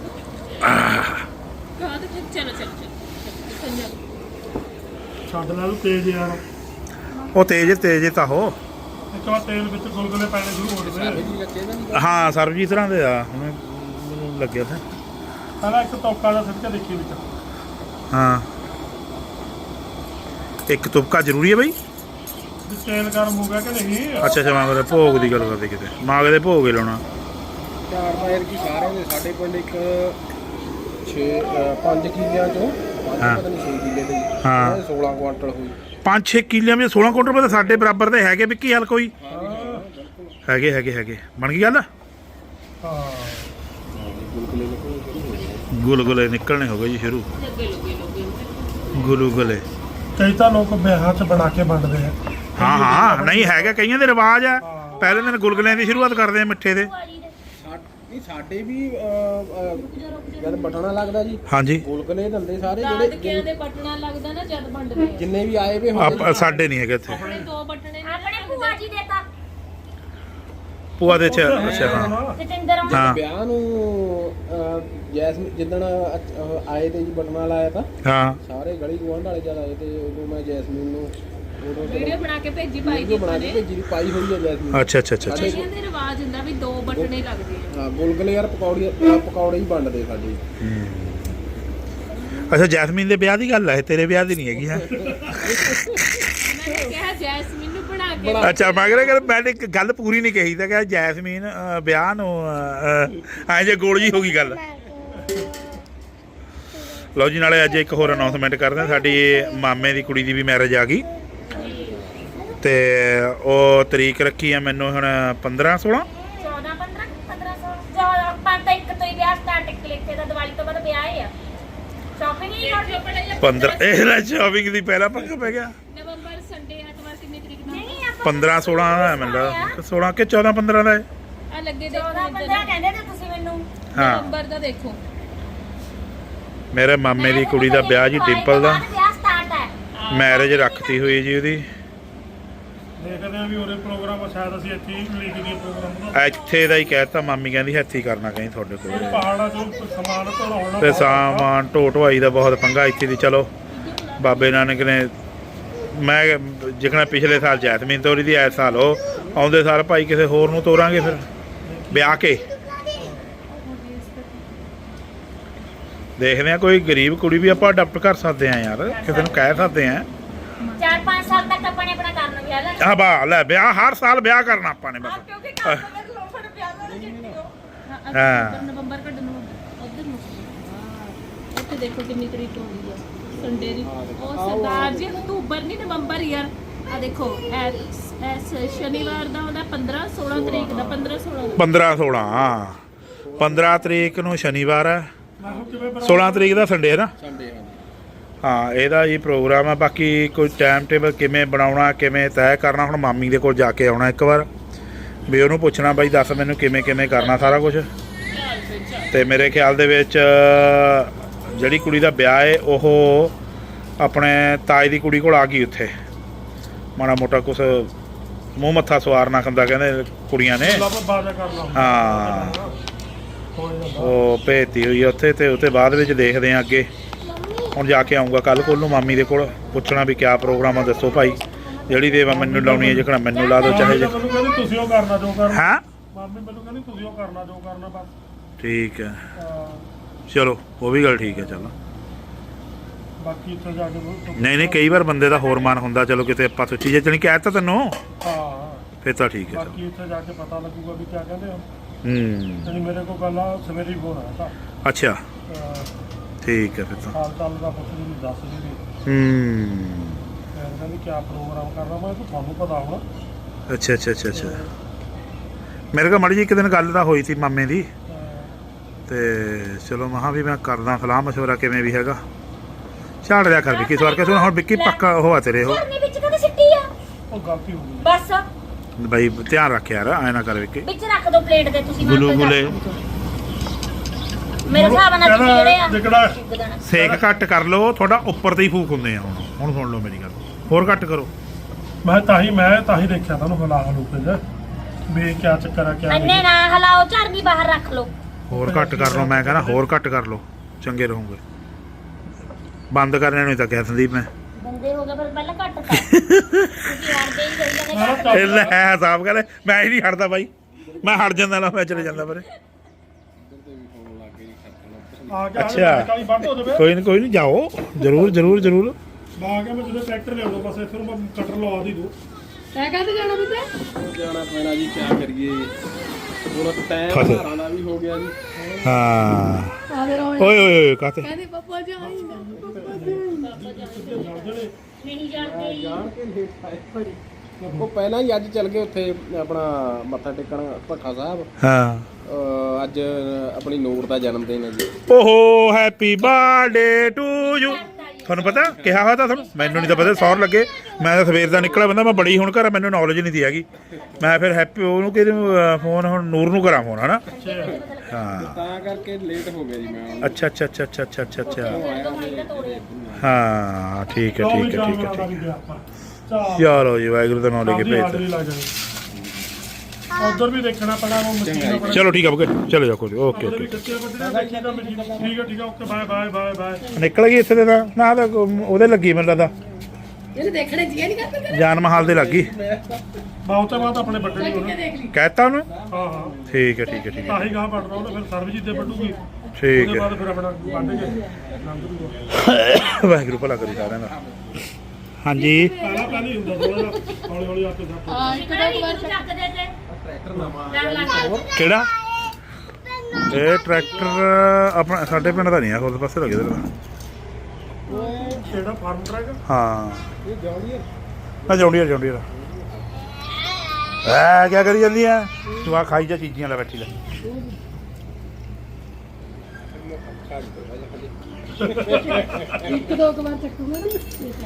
S6: ਕਹਾ ਤੇ ਚਲੋ ਚਲੋ ਚਲੋ ਸੰਜਾ
S3: ਛੱਡ ਲੈ ਤੂੰ ਤੇਜ਼ ਯਾਰ
S1: ਉਹ ਤੇਜ ਤੇਜ ਤਾਂ ਹੋ
S3: ਇੱਕ ਵਾਰ ਤੇਲ ਵਿੱਚ ਗੁਲਗੁਲੇ ਪੈਣੇ ਸ਼ੁਰੂ ਹੋ ਜਾਵੇ
S4: ਜੀ ਲੱਗੇ ਨਾ ਨਹੀਂ
S1: ਹਾਂ ਸਰਬਜੀਤ ਤਰ੍ਹਾਂ ਦੇ ਆ ਹੁਣ ਮੈਨੂੰ ਲੱਗਿਆ ਤਾਂ
S3: ਪਹਿਲਾਂ ਇੱਕ ਤੋਕਾ ਦਾ ਸਿੱਟਾ ਦੇਖੀ ਵਿੱਚ
S1: ਹਾਂ ਇੱਕ ਤੁਪਕਾ ਜ਼ਰੂਰੀ ਹੈ ਬਈ
S3: ਵੀ ਤੇਲ ਗਰਮ ਹੋ ਗਿਆ ਕਿ ਨਹੀਂ
S1: ਅੱਛਾ ਅੱਛਾ ਮਾਂ ਦੇ ਭੋਗ ਦੀ ਗੱਲ ਕਰਦੇ ਕਿਤੇ ਮਾਂ ਦੇ ਭੋਗ ਹੀ ਲਾਉਣਾ
S4: ਚਾਰ ਮਾਇਰ ਕੀ ਸਾਰਿਆਂ ਦੇ ਸਾਡੇ ਪਿੰਡ ਇੱਕ ਛੇ ਪੰਜ ਕਿੱਲਿਆਂ ਚੋਂ ਪੰਜ
S1: ਹਾਂ।
S4: ਪਤਾ ਨਹੀਂ ਛੇ ਕਿੱਲੇ ਦੇ ਜੀ
S1: ਹਾਂ।
S4: ਇਹ ਸੋਲਾਂ ਕੁਆਂਟਲ ਹੋਈ
S1: ਪੰਜ ਛੇ ਕਿੱਲਿਆਂ ਵਿੱਚ ਸੋਲਾਂ ਕੁਇੰਟਲ ਰੁਪਏ ਤਾਂ ਸਾਡੇ ਬਰਾਬਰ ਦੇ ਹੈਗੇ ਵਿੱਕੀ ਹਾਲ ਕੋਈ ਹੈਗੇ ਹੈਗੇ ਹੈਗੇ ਬਣ ਗਈ ਗੱਲ
S3: ਹਾਂ
S4: ਗੁਲਗੁਲੇ ਨਿਕਲਣੇ ਸ਼ੁਰੂ ਹੋ ਗਏ
S1: ਗੁਲਗੁਲੇ ਨਿਕਲਣੇ ਹੋ ਗਏ ਜੀ ਸ਼ੁਰੂ
S6: ਲੱਗੇ ਲੱਗੇ ਲੱਗੇ
S1: ਗੁਲਗੁਲੇ
S3: ਕਈ ਤਾਂ ਲੋਕ ਵਿਆਹਾਂ 'ਚ ਬਣਾ ਕੇ ਵੰਡਦੇ ਆ
S1: ਹਾਂ ਹਾਂ ਨਹੀਂ ਹੈਗਾ ਕਈਆਂ ਦੇ ਰਿਵਾਜ ਆ ਪਹਿਲੇ ਦਿਨ ਗੁਲਗੁਲਿਆਂ ਦੀ ਸ਼ੁਰੂਆਤ ਕਰਦੇ ਆ ਮਿੱਠੇ ਦੇ
S4: ਸਾ- ਨਹੀਂ ਸਾਡੇ ਵੀ ਅਹ, ਅਹ, ਜਦ ਬਟਣਾ ਲੱਗਦਾ ਜੀ
S1: ਹਾਂਜੀ
S4: ਗੁਲਗੁਲੇ ਦਿੰਦੇ ਸਾਰੇ
S6: ਦਾਦਕਿਆਂ
S4: ਜਿਹੜੇ
S6: ਦੇ ਪਟਣਾ ਲੱਗਦਾ ਨਾ ਜਦ ਵੰਡਦੇ ਆ
S4: ਜਿੰਨੇ ਵੀ ਆਏ ਵੇ ਹੁੰਦੇ
S1: ਆਪ ਸਾਡੇ ਨਹੀਂ ਹੈਗੇ ਇੱਥੇ
S6: ਆਪਣੇ ਦੋ ਬਟਣੇ ਨੇ
S2: ਆਪਣੇ ਭੂਆ ਜੀ ਦੇ ਤਾਂ
S1: ਭੂਆ ਦੇ ਚ ਅੱਛਾ ਹਾਂ
S2: ਜਤਿੰਦਰ ਆਉਂਦੇ
S1: ਹਾਂ
S4: ਵਿਆਹ ਨੂੰ ਅਹ, ਜੈਸਮੀਨ ਜਿੱਦਣ ਅਹ, ਅਹ, ਆਏ ਤੇ ਜੀ ਬਟਨਾ ਲਾਇਆ ਤਾਂ
S1: ਹਾਂ
S4: ਸਾਰੇ ਗਲੀ ਗੁਆਂਢ ਵਾਲੇ ਜਦ ਆਏ ਤੇ ਉਦੋਂ ਮੈਂ ਜੈਸਮੀਨ ਨੂੰ ਉਦੋਂ
S6: ਵੀਡੀਓ ਬਣਾ ਕੇ ਭੇਜੀ ਪਾਈ ਦੀ
S4: ਵੀਡੀਓ ਬਣਾ
S6: ਆਪਾਂ
S4: ਕੇ
S6: ਨੇ
S4: ਭੇਜੀ ਦੀ ਪਾਈ ਹੋਈ ਹੈ ਜੈਸਮੀਨ
S1: ਅੱਛਾ ਅੱਛਾ ਅੱਛਾ ਅੱਛਾ
S6: ਕਈਆਂ ਦੇ ਰਿਵਾਜ ਹੁੰਦਾ ਵੀ ਦੋ ਬਟਣੇ ਲੱਗਦੇ ਆ
S4: ਹਾਂ ਗੁਲਗੁਲੇ ਯਾਰ ਪਕੌੜੀ ਅਹ, ਪਕੌੜੇ ਹੀ ਵੰਡਦੇ ਸਾਡੇ
S1: ਅੱਛਾ ਜੈਸਮੀਨ ਦੇ ਵਿਆਹ ਦੀ ਗੱਲ ਹੈ ਤੇਰੇ ਵਿਆਹ ਦੀ ਨਹੀਂ ਹੈਗੀ ਹੈ
S6: ਮੈਂ ਕਿਹਾ ਜੈਸਮੀਨ ਨੂੰ ਬਣਾ ਕੇ
S1: ਅੱਛਾ ਮਗਰ ਅਗਰ ਮੈਂ ਇੱਕ ਗੱਲ ਪੂਰੀ ਨਹੀਂ ਕਹੀ ਤਾਂ ਕਿ ਜੈਸਮੀਨ ਅ, ਵਿਆਹ ਨੂੰ ਐ ਜੇ ਗੋਲ ਜੀ ਹੋ ਗਈ ਗੱਲ ਲਓ ਜੀ ਨਾਲੇ ਅੱਜ ਇੱਕ ਹੋਰ ਅਨਾਉਂਸਮੈਂਟ ਕਰਦੇ ਹਾਂ ਸਾਡੀ ਮਾਮੇ ਦੀ ਕੁੜੀ ਦੀ ਵੀ ਮੈਰਿਜ ਆ ਗਈ ਤੇ ਉਹ ਤਰੀਕ ਰੱਖੀ ਆ ਮੈਨੂੰ ਹੁਣ ਪੰਦਰਾਂ ਸੋਲਾਂ
S2: ਚੌਦਾਂ ਪੰਦਰਾਂ ਪੰਦਰਾਂ ਸੌ ਜਾਂ ਪੰਜ ਤਾਂ ਇੱਕ ਤੋਂ ਹੀ ਵਿਆਹ ਸਟਾਰਟ ਕਲਿੱਕੇ ਦਾ ਦੀਵਾਲੀ ਤੋਂ ਬਾਅਦ ਵਿਆਹ ਹੈ ਆ ਸ਼ਾਪਿੰਗ ਨਹੀਂ ਕਰਦੀ
S1: ਪੰਦਰਾਂ ਇਹ ਲੈ ਸ਼ਾਪਿੰਗ ਦੀ ਪਹਿਲਾ ਪੰਗਾ ਪੈ ਗਿਆ
S6: ਨਵੰਬਰ ਸੰਡੇ ਐਤਵਾਰ ਕਿੰਨੀ ਤਰੀਕ ਨੂੰ
S2: ਨਹੀਂ ਆਪਾਂ
S1: ਪੰਦਰਾਂ ਸੋਲਾਂ ਦਾ ਹੈ ਮੈਨੂੰ ਲੱਗਦਾ ਸੋਲਾਂ ਕਿ ਚੌਦਾਂ ਪੰਦਰਾਂ ਦਾ ਹੈ
S6: ਆ ਲੱਗੇ ਦੇਖੋ
S2: ਚੌਦਾਂ
S6: ਇੱਧਰ
S2: ਪੰਦਰਾਂ ਕਹਿੰਦੇ ਤੇ ਤੁਸੀਂ ਮੈਨੂੰ
S1: ਹਾਂ
S6: ਨਵੰਬਰ ਦਾ ਦੇਖੋ
S1: ਮੇਰੇ ਮਾਮੇ ਦੀ ਕੁੜੀ ਦਾ ਵਿਆਹ ਜੀ ਡਿੰਪਲ ਦਾ
S2: ਵਿਆਹ ਸਟਾਰਟ ਹੈ
S1: ਮੈਰਿਜ ਰੱਖਤੀ ਹੋਈ ਜੀ ਉਹਦੀ
S3: ਦੇਖਦੇ ਆ ਵੀ ਉਹਦੇ ਪ੍ਰੋਗਰਾਮ ਸ਼ਾਇਦ ਅਸੀਂ ਇੱਥੇ ਹੀ ਲਿਖ ਦਈਏ ਪ੍ਰੋਗਰਾਮ ਦਾ
S1: ਇੱਥੇ ਦਾ ਹੀ ਕਹਿਤਾ ਮਾਮੀ ਕਹਿੰਦੀ ਹੱਥੀ ਕਰਨਾ ਕਹੀਂ ਤੁਹਾਡੇ ਕੋਲ
S3: ਪਹਾੜਾਂ 'ਚੋਂ ਸਮਾਨ ਢੋਲਾਉਣਾ
S1: ਤੇ ਸਾਮਾਨ ਢੋ ਢੁਆਈ ਦਾ ਬਹੁਤ ਪੰਗਾ ਇੱਥੇ ਦੀ ਚਲੋ ਬਾਬੇ ਨਾਨਕ ਨੇ ਮੈਂ ਜਿਕਣਾ ਪਿਛਲੇ ਸਾਲ ਜੈਸਮੀਨ ਤੋਰੀ ਦੀ ਇਸ ਸਾਲ ਉਹ ਆਉਂਦੇ ਸਾਲ ਭਾਈ ਕਿਸੇ ਹੋਰ ਨੂੰ ਤੋਰਾਂਗੇ ਫਿਰ ਵਿਆਹ ਕੇ ਦੇਖਦੇ ਆ ਕੋਈ ਗਰੀਬ ਕੁੜੀ ਵੀ ਆਪਾਂ ਅਡਾਪਟ ਕਰ ਸਕਦੇ ਆ ਯਾਰ ਕਿਸੇ ਨੂੰ ਕਹਿ ਸਕਦੇ ਆ
S2: ਚਾਰ ਪੰਜ ਸਾਲ ਤੱਕ ਆਪਾਂ ਨੇ ਆਪਣਾ ਕਰਨਾ ਵਿਆਹ ਲੈ
S1: ਆ ਬਾ ਲੈ ਵਿਆਹ ਹਰ ਸਾਲ ਵਿਆਹ ਕਰਨਾ ਆਪਾਂ ਨੇ ਬਸ
S2: ਕਿਉਂਕਿ ਕੰਮ ਦਾ ਲੋਫੜ ਵਿਆਹ ਨਾਲ ਜਿੱਤੀ ਹੋ
S1: ਹਾਂ।
S6: ਨਵੰਬਰ ਕੱਢ ਨੂੰ ਉਧਰ ਨੂੰ ਹਾਂ ਇੱਥੇ ਦੇਖੋ ਕਿੰਨੀ ਤਰੀਕ ਹੋਈ ਆ ਸੰਡੇ ਦੀ ਉਹ ਸਰਦਾਰ ਜੀ ਅਕਤੂਬਰ ਨਹੀਂ ਨਵੰਬਰ ਯਾਰ ਆ ਦੇਖੋ ਐਸ ਸ਼ਨੀਵਾਰ ਦਾ ਉਹਦਾ ਪੰਦਰਾਂ ਸੋਲਾਂ ਤਰੀਕ ਦਾ ਪੰਦਰਾਂ ਸੋਲਾਂ ਦਾ
S1: ਪੰਦਰਾਂ ਸੋਲਾਂ ਪੰਦਰਾਂ ਤਰੀਕ ਨੂੰ ਸ਼ਨੀਵਾਰ ਹੈ
S3: ਮੈਂ ਕਿਹਾ ਕਿਵੇਂ ਬਣਾ
S1: ਸੋਲਾਂ ਤਰੀਕ ਦਾ ਸੰਡੇ ਹੈ ਨਾ
S4: ਸੰਡੇ ਹਾਂ
S1: ਹਾਂ ਇਹਦਾ ਹੀ ਪ੍ਰੋਗਰਾਮ ਆ। ਬਾਕੀ ਕੋਈ ਟਾਈਮ ਟੇਬਲ ਕਿਵੇਂ ਬਣਾਉਣਾ ਕਿਵੇਂ ਤੈਅ ਕਰਨਾ, ਹੁਣ ਮਾਮੀ ਦੇ ਕੋਲ ਜਾ ਕੇ ਆਉਣਾ ਇੱਕ ਵਾਰ ਵੀ ਉਹਨੂੰ ਪੁੱਛਣਾ ਬਾਈ ਦੱਸ ਮੈਨੂੰ ਕਿਵੇਂ ਕਿਵੇਂ ਕਰਨਾ ਸਾਰਾ ਕੁਝ। ਤੇ ਮੇਰੇ ਖਿਆਲ ਦੇ ਵਿੱਚ ਜਿਹੜੀ ਕੁੜੀ ਦਾ ਵਿਆਹ ਹੈ ਉਹ ਆਪਣੇ ਤਾਏ ਦੀ ਕੁੜੀ ਕੋਲ ਆ ਗਈ, ਉੱਥੇ ਮਾੜਾ ਮੋਟਾ ਕੁਛ ਮੂੰਹ ਮੱਥਾ ਸਵਾਰਨਾ ਹੁੰਦਾ ਕਹਿੰਦੇ ਕੁੜੀਆਂ ਨੇ।
S3: ਲੱਭ ਬਾਜ਼ਾ ਕਰ ਲਾ
S1: ਹਾਂ ਉਹ ਭੇਜਤੀ ਹੋਈ ਆ ਉੱਥੇ, ਤੇ ਉੱਤੇ ਬਾਅਦ ਵਿੱਚ ਦੇਖਦੇ ਆ ਅੱਗੇ। ਹੁਣ ਜਾ ਕੇ ਆਊਂਗਾ ਕੱਲ ਕੋਲ ਨੂੰ ਮਾਮੀ ਦੇ ਕੋਲ, ਪੁੱਛਣਾ ਵੀ ਕਿਆ ਪ੍ਰੋਗਰਾਮ ਆ ਦੱਸੋ ਭਾਈ। ਜਿਹੜੀ ਦੇਵਾ ਮੈਨੂੰ ਲਾਉਣੀ ਹੈ ਜਿਕਣਾ ਮੈਨੂੰ ਲਾ ਦਿਓ ਚਾਹੇ ਜੇ।
S3: ਮੈਨੂੰ ਕਹਿੰਦੀ ਤੁਸੀਂ ਉਹ ਕਰਨਾ ਜੋ ਕਰਨਾ।
S1: ਹਾਂ
S3: ਮਾਮੀ ਮੈਨੂੰ ਕਹਿੰਦੀ ਤੁਸੀਂ ਉਹ ਕਰਨਾ ਜੋ ਕਰਨਾ ਬਸ।
S1: ਠੀਕ ਹੈ
S3: ਹਾਂ,
S1: ਚਲੋ ਉਹ ਵੀ ਗੱਲ ਠੀਕ ਹੈ। ਚਲੋ
S3: ਬਾਕੀ ਇੱਥੇ ਜਾ ਕੇ ਉਹ-
S1: ਨਹੀਂ ਨਹੀਂ ਕਈ ਵਾਰ ਬੰਦੇ ਦਾ ਹੋਰ ਮਨ ਹੁੰਦਾ ਚਲੋ ਕਿਤੇ ਆਪਾਂ ਸੋਚੀ ਜੇ ਤੈਨੂੰ ਕਹਿ ਤਾ ਤੈਨੂੰ
S3: ਹਾਂ,
S1: ਫਿਰ ਤਾਂ ਠੀਕ ਹੈ। ਚਲੋ
S3: ਬਾਕੀ ਇੱਥੇ ਜਾ ਕੇ ਪਤਾ ਲੱਗੂਗਾ ਵੀ ਕਿਆ ਕਹਿੰਦੇ ਆ।
S1: ਹੂੰ
S3: ਜਿਹੜੀ ਮੇਰੇ ਕੋਲ ਗੱਲ ਆ ਸਵੇਰੇ ਹੀ ਫੋਨ ਆਇਆ ਤਾਂ
S1: ਅੱਛਾ ਠੀਕ ਹੈ ਫਿਰ ਤਾਂ।
S3: ਹਾਲ ਚਾਲ ਦਾ ਪੁੱਛ ਜੀ ਦੱਸ ਜੀ ਵੀ
S1: ਹੂੰ
S3: ਫਿਰ ਕਹਿੰਦੀ ਕਿਆ ਪ੍ਰੋਗਰਾਮ ਕਰਨਾ। ਮੈਂ ਕਿਹਾ ਤੁਹਾਨੂੰ ਪਤਾ ਹੋਣਾ।
S1: ਅੱਛਾ ਅੱਛਾ ਅੱਛਾ ਅੱਛਾ ਮੇਰੇ ਕੋਲ ਮਾੜੀ ਜੀ ਇੱਕ ਦਿਨ ਗੱਲ ਤਾਂ ਹੋਈ ਸੀ ਮਾਮੇ ਦੀ, ਤੇ ਚਲੋ ਮਹਾਂ ਵੀ ਮੈਂ ਕਰਦਾ ਸਲਾਹ ਮਸ਼ਵਰਾ ਕਿਵੇਂ ਵੀ ਹੈਗਾ। ਛਾੜ ਦਿਆ ਕਰ ਵਿੱਕੀ ਸਵਾਰ ਕੇ ਸੁਣ ਹੁਣ ਵਿੱਕੀ ਪੱਕਾ ਉਹ ਆ ਤੇਰੇ ਉਹ
S2: ਘਰਨੀ ਵਿੱਚ ਕਦੇ ਸਿੱਟੀ ਆ
S3: ਉਹ ਗਲਤੀ ਹੋ ਗਈ।
S2: ਬਸ
S1: ਬਾਈ ਧਿਆਨ ਰੱਖ ਯਾਰ ਐ ਨਾ ਕਰ ਵਿੱਕੀ।
S2: ਵਿੱਚ ਰੱਖ ਦੋ ਪਲੇਟ ਦੇ ਤੁਸੀਂ। ਮੈਂ
S1: ਗੁਲੂ
S2: ਆਪੇ
S1: ਗੁਲੇ
S2: ਰੱਖ ਦੂੰ। ਮੇਰੇ ਹਿਸਾਬ ਨਾਲ ਤੁਸੀਂ ਜਿਹੜੇ ਆ
S3: ਜਿਹੜਾ
S2: ਚੁੱਕ ਦੇਣਾ।
S1: ਸੇਕ ਘੱਟ ਕਰ ਲਓ, ਤੁਹਾਡਾ ਉੱਪਰ ਤੇ ਹੀ ਫੂਕ ਹੁੰਦੇ ਆ। ਹੁਣ ਹੁਣ ਸੁਣ ਲਓ ਮੇਰੀ ਗੱਲ, ਹੋਰ ਘੱਟ ਕਰੋ।
S3: ਮੈਂ ਤਾਂ ਹੀ ਮੈਂ ਤਾਂ ਹੀ ਦੇਖਿਆ ਤੁਹਾਨੂੰ ਹਲਾ ਹਲੂਕੇ ਜੇ ਵੀ ਕਿਆ ਚੱਕਰ ਆ ਕਿਆ
S2: ਅੰਨੇ
S3: ਨਹੀਂ।
S2: ਨਾ ਹਲਾਓ, ਝਰਨੀ ਬਾਹਰ ਰੱਖ ਲਓ।
S1: ਹੋਰ ਘੱਟ ਕਰ ਲਓ, ਮੈਂ ਕਹਿੰਦਾ ਹੋਰ ਘੱਟ ਕਰ ਲਓ, ਚੰਗੇ ਰਹੋਗੇ। ਬੰਦ ਕਰਨੇ ਨੂੰ ਤਾਂ ਕਿਹਾ ਸੰਦੀਪ ਮੈਂ।
S2: ਬੰਦੇ ਹੋ ਗਏ ਪਰ ਪਹਿਲਾਂ ਘੱਟ ਕਰ। ਤੁਸੀਂ ਆਂਦੇ ਹੀ ਕਹੀ ਜਾਂਦੇ ਘੱਟ ਕਰ।
S1: ਇਹ ਲੈ ਹਿਸਾਬ ਕਰ, ਮੈਂ ਹੀ ਨਹੀਂ ਹਟਦਾ ਬਾਈ, ਮੈਂ ਹਟ ਜਾਂਦਾ ਨਾ ਮੈਂ ਚਲੇ ਜਾਂਦਾ ਪਰੇ।
S3: ਆ ਕੇ
S1: ਅੱਛਾ।
S3: ਕਾਲੀ ਬੰਦ ਹੋ ਜਾਵੇ।
S1: ਕੋਈ ਨਹੀਂ ਕੋਈ ਨਹੀਂ ਜਾਓ, ਜ਼ਰੂਰ ਜ਼ਰੂਰ ਜ਼ਰੂਰ।
S3: ਆ ਕੇ ਮੈਂ ਜਦੋਂ ਟਰੈਕਟਰ ਲਿਆਉਂਦਾ ਬਸ ਇੱਥੇ ਨੂੰ ਮੈਂ ਕਟਰ ਲਵਾ ਦੀ ਦੂ।
S5: ਤੈਂ ਕਾਹਤੇ ਜਾਣਾ ਬੁੱਤੇ?
S4: ਜਾਣਾ ਪੈਣਾ ਜੀ ਕਿਆ ਕਰੀਏ, ਹੁਣ ਟਾਈਮ
S1: ਫਸੇ।
S4: ਘਰਾਂ ਦਾ ਵੀ ਹੋ ਗਿਆ ਜੀ।
S1: ਹਾਂ
S5: ਆਦੇ ਰੋ
S1: ਓਏ ਓਏ ਓਏ ਕਾਤੇ
S5: ਕਹਿੰਦੀ ਪਪਾ ਜਾਈ
S2: ਨਹੀਂ ਜਾਂਦੇ ਹੀ।
S4: ਜਾਣ ਕੇ ਲੇਟ ਆਏ ਭਾਈ। ਉਹ ਪਹਿਲਾਂ ਹੀ ਅੱਜ ਚੱਲ ਗਏ ਉੱਥੇ ਆਪਣਾ ਮੱਥਾ ਟੇਕਣ ਭੱਖਾ ਸਾਹਿਬ।
S1: ਹਾਂ
S4: ਅਹ ਅੱਜ ਆਪਣੀ ਨੂਰ ਦਾ ਜਨਮ ਦਿਨ ਹੈ ਜੀ।
S1: ਓਹੋ ਹੈਪੀ ਬਰਥਡੇ ਟੂ ਯੂ। ਤੁਹਾਨੂੰ ਪਤਾ ਕਿਹਾ ਹੋਇਆ ਤਾਂ ਤੁਹਾਨੂੰ, ਮੈਨੂੰ ਨਹੀਂ ਤਾਂ ਪਤਾ ਸੌਰ ਲੱਗੇ। ਮੈਂ ਤਾਂ ਸਵੇਰ ਦਾ ਨਿਕਲਿਆ ਬੰਦਾ, ਮੈਂ ਬੜੀ ਹੁਣ ਘਰ ਮੈਨੂੰ ਨੌਲੇਜ ਨਹੀਂ ਦੀ ਹੈਗੀ। ਮੈਂ ਫਿਰ ਹੈਪੀ ਉਹਨੂੰ ਕਿ ਫੋਨ ਹੁਣ ਨੂਰ ਨੂੰ ਕਰਾਂ ਫੋਨ ਹਨਾ। ਹਾਂ
S4: ਤਾਂ ਕਰਕੇ ਲੇਟ ਹੋ ਗਿਆ ਜੀ ਮੈਂ।
S1: ਅੱਛਾ ਅੱਛਾ ਅੱਛਾ ਅੱਛਾ ਅੱਛਾ ਅੱਛਾ ਅੱਛਾ
S2: ਦਵਾਈ ਤਾਂ ਤੋੜੇ।
S1: ਹਾਂ ਠੀਕ ਹੈ
S3: ਲਓ ਵੀ
S1: ਠੀਕ ਹੈ ਠੀਕ ਹੈ
S3: ਜਾਨਵਰਾਂ ਦਾ
S1: ਠੀਕ
S3: ਵੀ
S1: ਹੈ।
S3: ਗਿਆ ਆਪਾਂ। ਚੱਲ
S1: ਚਲੋ ਜੀ ਵਾਹਿਗੁਰੂ ਦਾ ਨਾਮ ਲੈ ਕੇ
S3: ਆਪਦੀ
S1: ਭੇਜ
S3: ਹਾਜ਼ਰੀ ਲੱਗ ਜਾਣੀ। ਉਧਰ ਵੀ ਦੇਖਣਾ ਪੈਣਾ ਉਹ ਮਸ਼ੀਨ ਆਪਣਾ।
S1: ਚਲੋ ਠੀਕ ਹੈ ਓਕੇ ਚਲੋ ਜਾ ਕੋਈ ਓਕੇ
S3: ਉਹਦੇ ਵੀ
S1: ਓਕੇ
S3: ਕੱਚੇ ਵੱਢਣੇ ਦੇਖੀ ਤਾਂ ਮਸ਼ੀਨ। ਠੀਕ ਹੈ ਠੀਕ ਹੈ okay bye bye bye bye.
S1: ਨਿਕਲ ਗਈ ਇੱਥੇ ਦੇ ਨਾ ਨਾ ਤਾਂ ਉਹਦੇ ਲੱਗੀ ਮੈਨੂੰ ਲੱਗਦਾ
S5: ਇਹਨੂੰ ਦੇਖਣੇ ਜੀ ਨਹੀਂ ਕਰਦਾ ਤੇਰਾ।
S1: ਜਾਨ ਮਹਾਲ ਦੇ ਲੱਗੀ।
S3: ਬਹੁਤ ਤੋਂ ਬਾਅਦ ਆਪਣੇ ਵੱਢਣੇ
S5: ਕਿੱਥੇ
S3: ਹੋਣੇ।
S5: ਦੇਖ ਲਈ।
S1: ਕਹਿਤਾ ਉਹਨੇ
S3: ਹਾਂ ਹਾਂ
S1: ਠੀਕ ਹੈ ਠੀਕ ਹੈ ਠੀਕ ਹੈ
S3: ਤਾਂ ਹੀ ਗਾਹ ਵੱਢਣਾ ਉਹਨੇ ਫਿਰ ਸਰਬਜੀਤ ਦੇ ਵੱਢੂਗੀ।
S1: ਠੀਕ
S3: ਉਹਦੇ
S1: ਹੈ
S3: ਬਾਅਦ ਫਿਰ ਆਪਣਾ ਵੱਢ ਕੇ ਲੰਘ ਜੂਗਾ।
S1: ਵਾਹਿਗੁਰੂ ਭਲਾ ਕਰੀ ਸਾਰਿਆਂ ਦਾ। ਹਾਂਜੀ
S3: ਪਹਿਲਾਂ ਪਹਿਲਾਂ ਹੀ ਹੁੰਦਾ ਥੋੜਾ ਜਿਹਾ ਹੌਲੀ ਹੌਲੀ ਆਪੇ ਸਭ
S5: ਹਾਂ ਇੱਕ
S2: ਕਿਹੜਾ
S5: ਦੋ
S2: ਵੀ
S5: ਵਾਰ
S2: ਚੱਕ ਦੇ ਤੇ
S4: ਟਰੈਕਟਰ ਨਵਾਂ
S2: ਲੱਗ ਲੱਗ।
S1: ਕਿਹੜਾ ਇਹ ਟਰੈਕਟਰ ਆਪਣਾ ਸਾਡੇ ਪਿੰਡ ਦਾ ਨਹੀਂ ਆ, ਉਸ ਪਾਸੇ ਲੱਗੇ ਦਾ
S3: ਕਿਹੜਾ ਫਾਰਮ ਟਰੈਕ।
S1: ਹਾਂ
S4: ਇਹ ਜੌਂਡੀਅਰ
S1: ਮੈਂ ਜੌਂਡੀਆ ਜੌਂਡੀਆ ਐ ਕੀ ਕਰੀ ਜਾਂਦੀ ਐ ਤੂੰ? ਆ ਖਾਈ ਜਾ ਚੀਜ਼ੀਆਂ ਲੈ ਬੈਠੀ ਲੈ।
S5: ਇੱਕ ਦੋ ਕੁ ਵਾਰ ਚੱਕੂਗਾ ਨਾ।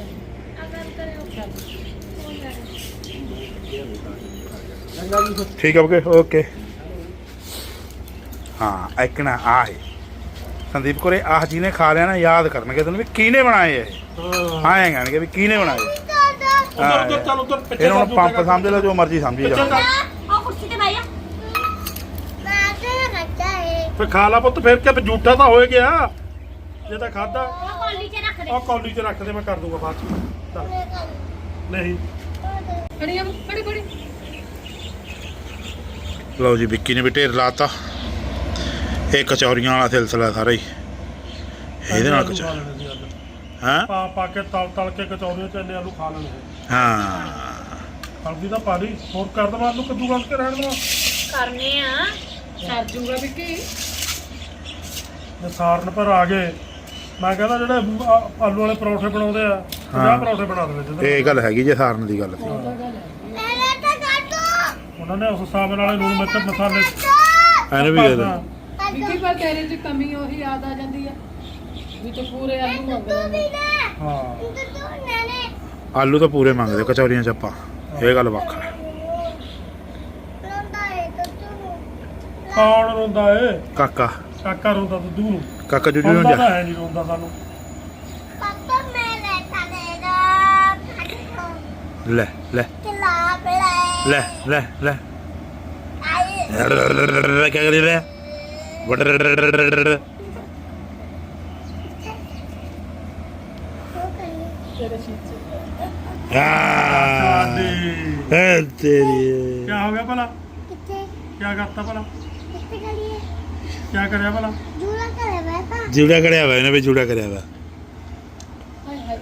S1: ਠੀਕ ਹੈ ਓਕੇ ਓਕੇ। ਹਾਂ ਐਕਣਾ ਆਹ ਹੈ ਸੰਦੀਪ ਕੋਰੇ ਆਹ ਜਿਹਨੇ ਖਾ ਲਿਆ ਨਾ ਯਾਦ ਕਰਨਗੇ ਤੈਨੂੰ ਵੀ ਕਿਹਨੇ ਬਣਾਏ ਇਹ।
S3: ਹਾਂ
S1: ਹਾਂ ਐਂ ਕਹਿਣਗੇ ਵੀ ਕਿਹਨੇ ਬਣਾਏ।
S3: ਉਧਰ ਉਧਰ ਚੱਲ ਉਧਰ ਪਿੱਛੇ
S1: ਇਹਨਾਂ ਨੂੰ ਪੰਪ ਸਮਝ ਲੈ ਜੋ ਮਰਜ਼ੀ ਸਮਝੀ ਜਾ।
S2: ਉਹ ਕੁਰਸੀ ਤੇ ਬਹਿ ਜਾ।
S3: ਫਿਰ ਖਾ ਲਾ ਪੁੱਤ ਫਿਰ ਕਿ ਝੂਠਾ ਤਾਂ ਹੋਏ ਗਿਆ ਜੇ ਤਾਂ ਖਾਦਾ।
S2: ਉਹ ਕੌਲੀ 'ਚ ਰੱਖ ਦੇ।
S3: ਉਹ ਕੌਲੀ 'ਚ ਰੱਖ ਦੇ ਮੈਂ ਕਰ ਦੂੰਗਾ ਬਾਅਦ 'ਚ। ਚੱਲ ਨਹੀਂ
S5: ਖੜੀਆਂ ਖੜੀ ਖੜੀ।
S1: ਲਓ ਜੀ ਵਿੱਕੀ ਨੇ ਵੀ ਢੇਰ ਲਾਤਾ। ਇਹ ਕਚੌਰੀਆਂ ਵਾਲਾ ਸਿਲਸਿਲਾ ਸਾਰਾ ਹੀ ਇਹਦੇ ਨਾਲ ਕਚੌ ਹਾਂ
S3: ਪਾ ਪਾ ਕੇ ਤਲ ਤਲ ਕੇ ਕਚੌਰੀਆਂ ਚ ਇੰਨੇ ਆਲੂ ਖਾ ਲੈਣੇ।
S1: ਹਾਂ
S3: ਹਲਦੀ ਦਾ ਪਾ ਲਈ ਹੋਰ ਕਰ ਦਵਾਂ ਆਲੂ ਕੱਦੂ ਕੱਸ ਕੇ ਰਹਿਣ ਦਵਾਂ।
S2: ਕਰਨੇ ਆ।
S5: ਸਰ ਜੂਗਾ ਵਿੱਕੀ।
S3: ਜੇ ਸਾਰਨ ਪਰ ਆ ਗਏ ਮੈਂ ਕਹਿੰਦਾ ਜਿਹੜੇ ਆ- ਆਲੂ ਵਾਲੇ ਪਰੌਂਠੇ ਬਣਾਉਂਦੇ ਆ ਪੰਜਾਹ ਪਰੌਂਠੇ ਬਣਾ ਦੇਵੇ ਜਦੋਂ
S1: ਇਹ ਗੱਲ ਹੈਗੀ ਜੇ ਸਾਰਨ ਦੀ ਗੱਲ।
S3: ਉਹਨਾਂ ਨੇ ਉਸ ਹਿਸਾਬ ਨਾਲ ਲੂਣ ਮਿਰਚ ਮਸਾਲੇ
S1: ਇਹਨੂੰ ਵੀ ਦੇ ਦੇ।
S5: ਵਿੱਕੀ ਪਰ ਤੇਰੇ 'ਚ ਕਮੀ ਉਹੀ ਯਾਦ ਆ ਜਾਂਦੀ ਆ। ਵਿੱਚ ਪੂਰੇ ਆਲੂ ਮੰਗਦੇ ਨੇ।
S3: ਹਾਂ
S1: ਆਲੂ ਤਾਂ ਪੂਰੇ ਮੰਗਦੇ ਕਚੌਰੀਆਂ ਚ ਆਪਾਂ, ਇਹ ਗੱਲ ਵੱਖ ਹੈ।
S3: ਕੌਣ ਰੋਂਦਾ ਏ?
S1: ਕਾਕਾ
S3: ਕਾਕਾ ਰੋਂਦਾ ਦੁੱਧੂ ਨੂੰ।
S1: ਕਾਕਾ ਜੁਜੂ ਨੂੰ
S3: ਰੋਂਦਾ
S1: ਜਾ
S3: ਤਾਂ ਹੈ ਨਹੀਂ, ਰੋਂਦਾ ਸਾਨੂੰ।
S1: ਲੈ ਲੈ ਲੈ ਲੈ ਲੈ ਕੀ ਕਰੀ ਰਿਹਾ
S5: ਤੇਰੇ ਸ਼ੀਸ਼ੇ
S1: ਆ ਤੇਰੀ
S3: ਕੀ ਹੋ ਗਿਆ ਭਲਾ? ਕੀ ਕਰਤਾ ਭਲਾ? ਕੀ ਕਰਿਆ ਭਲਾ?
S1: ਜੂੜਾ ਕਰਿਆ ਵਾ ਇਹਨੇ ਵੀ ਜੂੜਾ ਕਰਿਆ ਵਾ।
S5: ਹਾਏ ਹਾਏ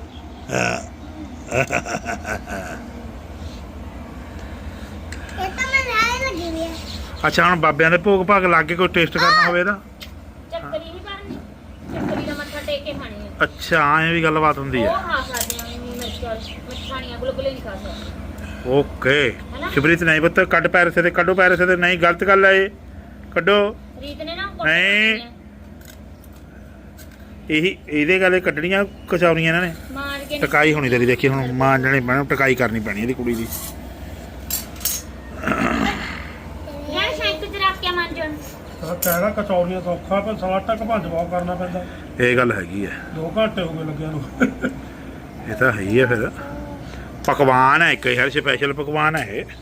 S1: ਅੱਛਾ ਹੁਣ ਬਾਬਿਆਂ ਦੇ ਭੋਗ ਭਾਗ ਲਾ ਕੇ ਕੋਈ ਟੇਸਟ ਕਰਨਾ ਹੋਵੇ ਇਹਦਾ?
S2: ਚੱਕਰੀ ਨਹੀਂ ਬਣਨੀ, ਚੱਕਰੀ ਦਾ ਮੱਥਾ ਟੇਕ ਕੇ ਖਾਣੀ ਹੈ।
S1: ਅੱਛਾ ਐਂ ਵੀ ਗੱਲਬਾਤ ਹੁੰਦੀ
S2: ਉਹ
S1: ਹੈ।
S2: ਖਾ ਸਕਦੇ ਆ ਨਹੀਂ ਮਿਰਚਾਂ ਮੱਛਾਣੀਆਂ ਗੁਲਗੁਲੇ ਨਹੀਂ ਖਾ ਸਕਦੇ।
S1: ਓਕੇ ਸ਼ਿਵਰੀਤ ਨਹੀਂ ਪੁੱਤ ਕੱਢ ਪੈਰਸੇ ਤੇ ਕੱਢੋ ਪੈਰਸੇ ਤੇ ਨਹੀਂ ਗਲਤ ਗੱਲ ਹੈ ਇਹ ਕੱਢੋ
S2: ਰੀਤ ਨੇ ਨਾ
S1: ਨਹੀਂ। ਇਹੀ ਇਹਦੇ ਗੱਲ ਕੱਢਣੀਆਂ ਕਚੌਰੀਆਂ ਇਹਨਾਂ ਨੇ
S2: ਮਾਰ ਕੇ
S1: ਟਕਾਈ ਹੋਣੀ ਤੇਰੀ ਦੇਖੀ ਹੁਣ ਮਾਂਜਣੇ ਪੈਣਾ ਟਕਾਈ ਕਰਨੀ ਪੈਣੀ ਇਹਦੀ ਕੁੜੀ ਦੀ।
S2: ਯਾਰ ਸ਼ੈਂਕ ਚ ਰੱਖ ਕੇ ਮਾਂਜਣ
S3: ਤਾਂ ਕਹਿਣਾ ਕਚੌਰੀਆਂ ਸੌਖਾ, ਪਰ ਸਾਲਾ ਟੱਕ ਭੱਜ ਬਹੁਤ ਕਰਨਾ ਪੈਂਦਾ।
S1: ਇਹ ਗੱਲ ਹੈਗੀ ਹੈ,
S3: ਦੋ ਘੰਟੇ ਹੋ ਗਏ ਲੱਗਿਆ ਨੂੰ।
S1: ਇਹ ਤਾਂ ਹੈ ਹੀ ਹੈ। ਫਿਰ ਪਕਵਾਨ ਹੈ ਇੱਕ ਯਾਰ, ਸਪੈਸ਼ਲ ਪਕਵਾਨ ਹੈ ਇਹ।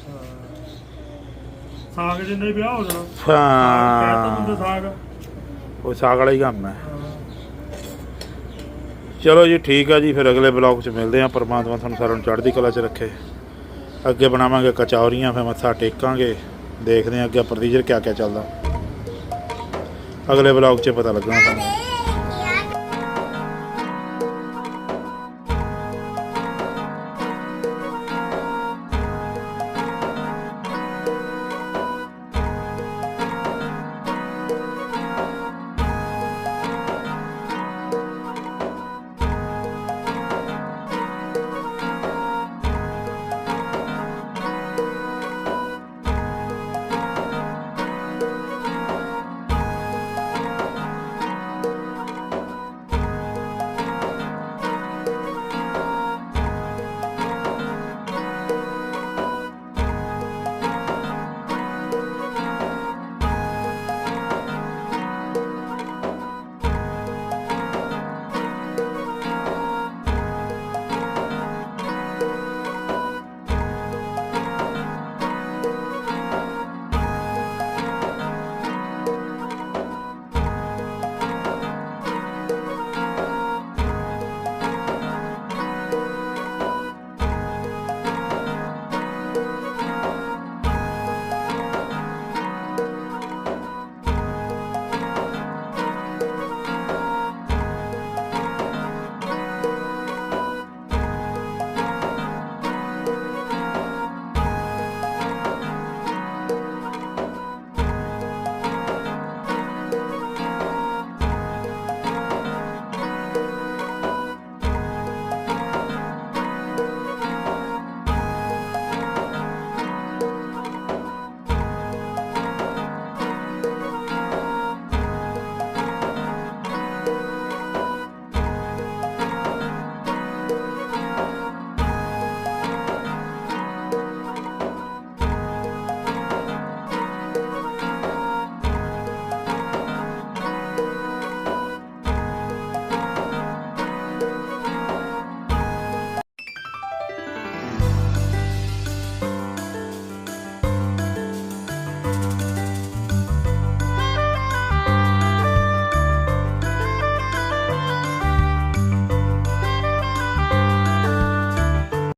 S3: ਸਾਗ ਜਿੰਨੇ ਹੀ ਵਿਆਹ ਹੋ ਜਾਣਾ ਕਹਿਤਾ ਬੰਦੇ
S1: ਹਾਂ
S3: ਸਾਗ।
S1: ਉਹ ਸਾਗ ਵਾਲਾ ਹੀ ਕੰਮ ਹੈ। ਚਲੋ ਜੀ ਠੀਕ ਆ ਜੀ, ਫਿਰ ਅਗਲੇ ਬਲੌਗ 'ਚ ਮਿਲਦੇ ਹਾਂ। ਪਰਮਾਤਮਾ ਤੁਹਾਨੂੰ ਸਾਰਿਆਂ ਨੂੰ ਚੜ੍ਹਦੀ ਕਲਾ 'ਚ ਰੱਖੇ। ਅੱਗੇ ਬਣਾਵਾਂਗੇ ਕਚੌਰੀਆਂ, ਫਿਰ ਮੱਥਾ ਟੇਕਾਂਗੇ, ਦੇਖਦੇ ਹਾਂ ਅੱਗੇ ਪ੍ਰੋਸੀਜਰ ਕਿਆ ਕਿਆ ਚੱਲਦਾ। ਅਗਲੇ ਬਲੌਗ 'ਚ ਪਤਾ ਲੱਗਣਾ ਤੁਹਾਨੂੰ।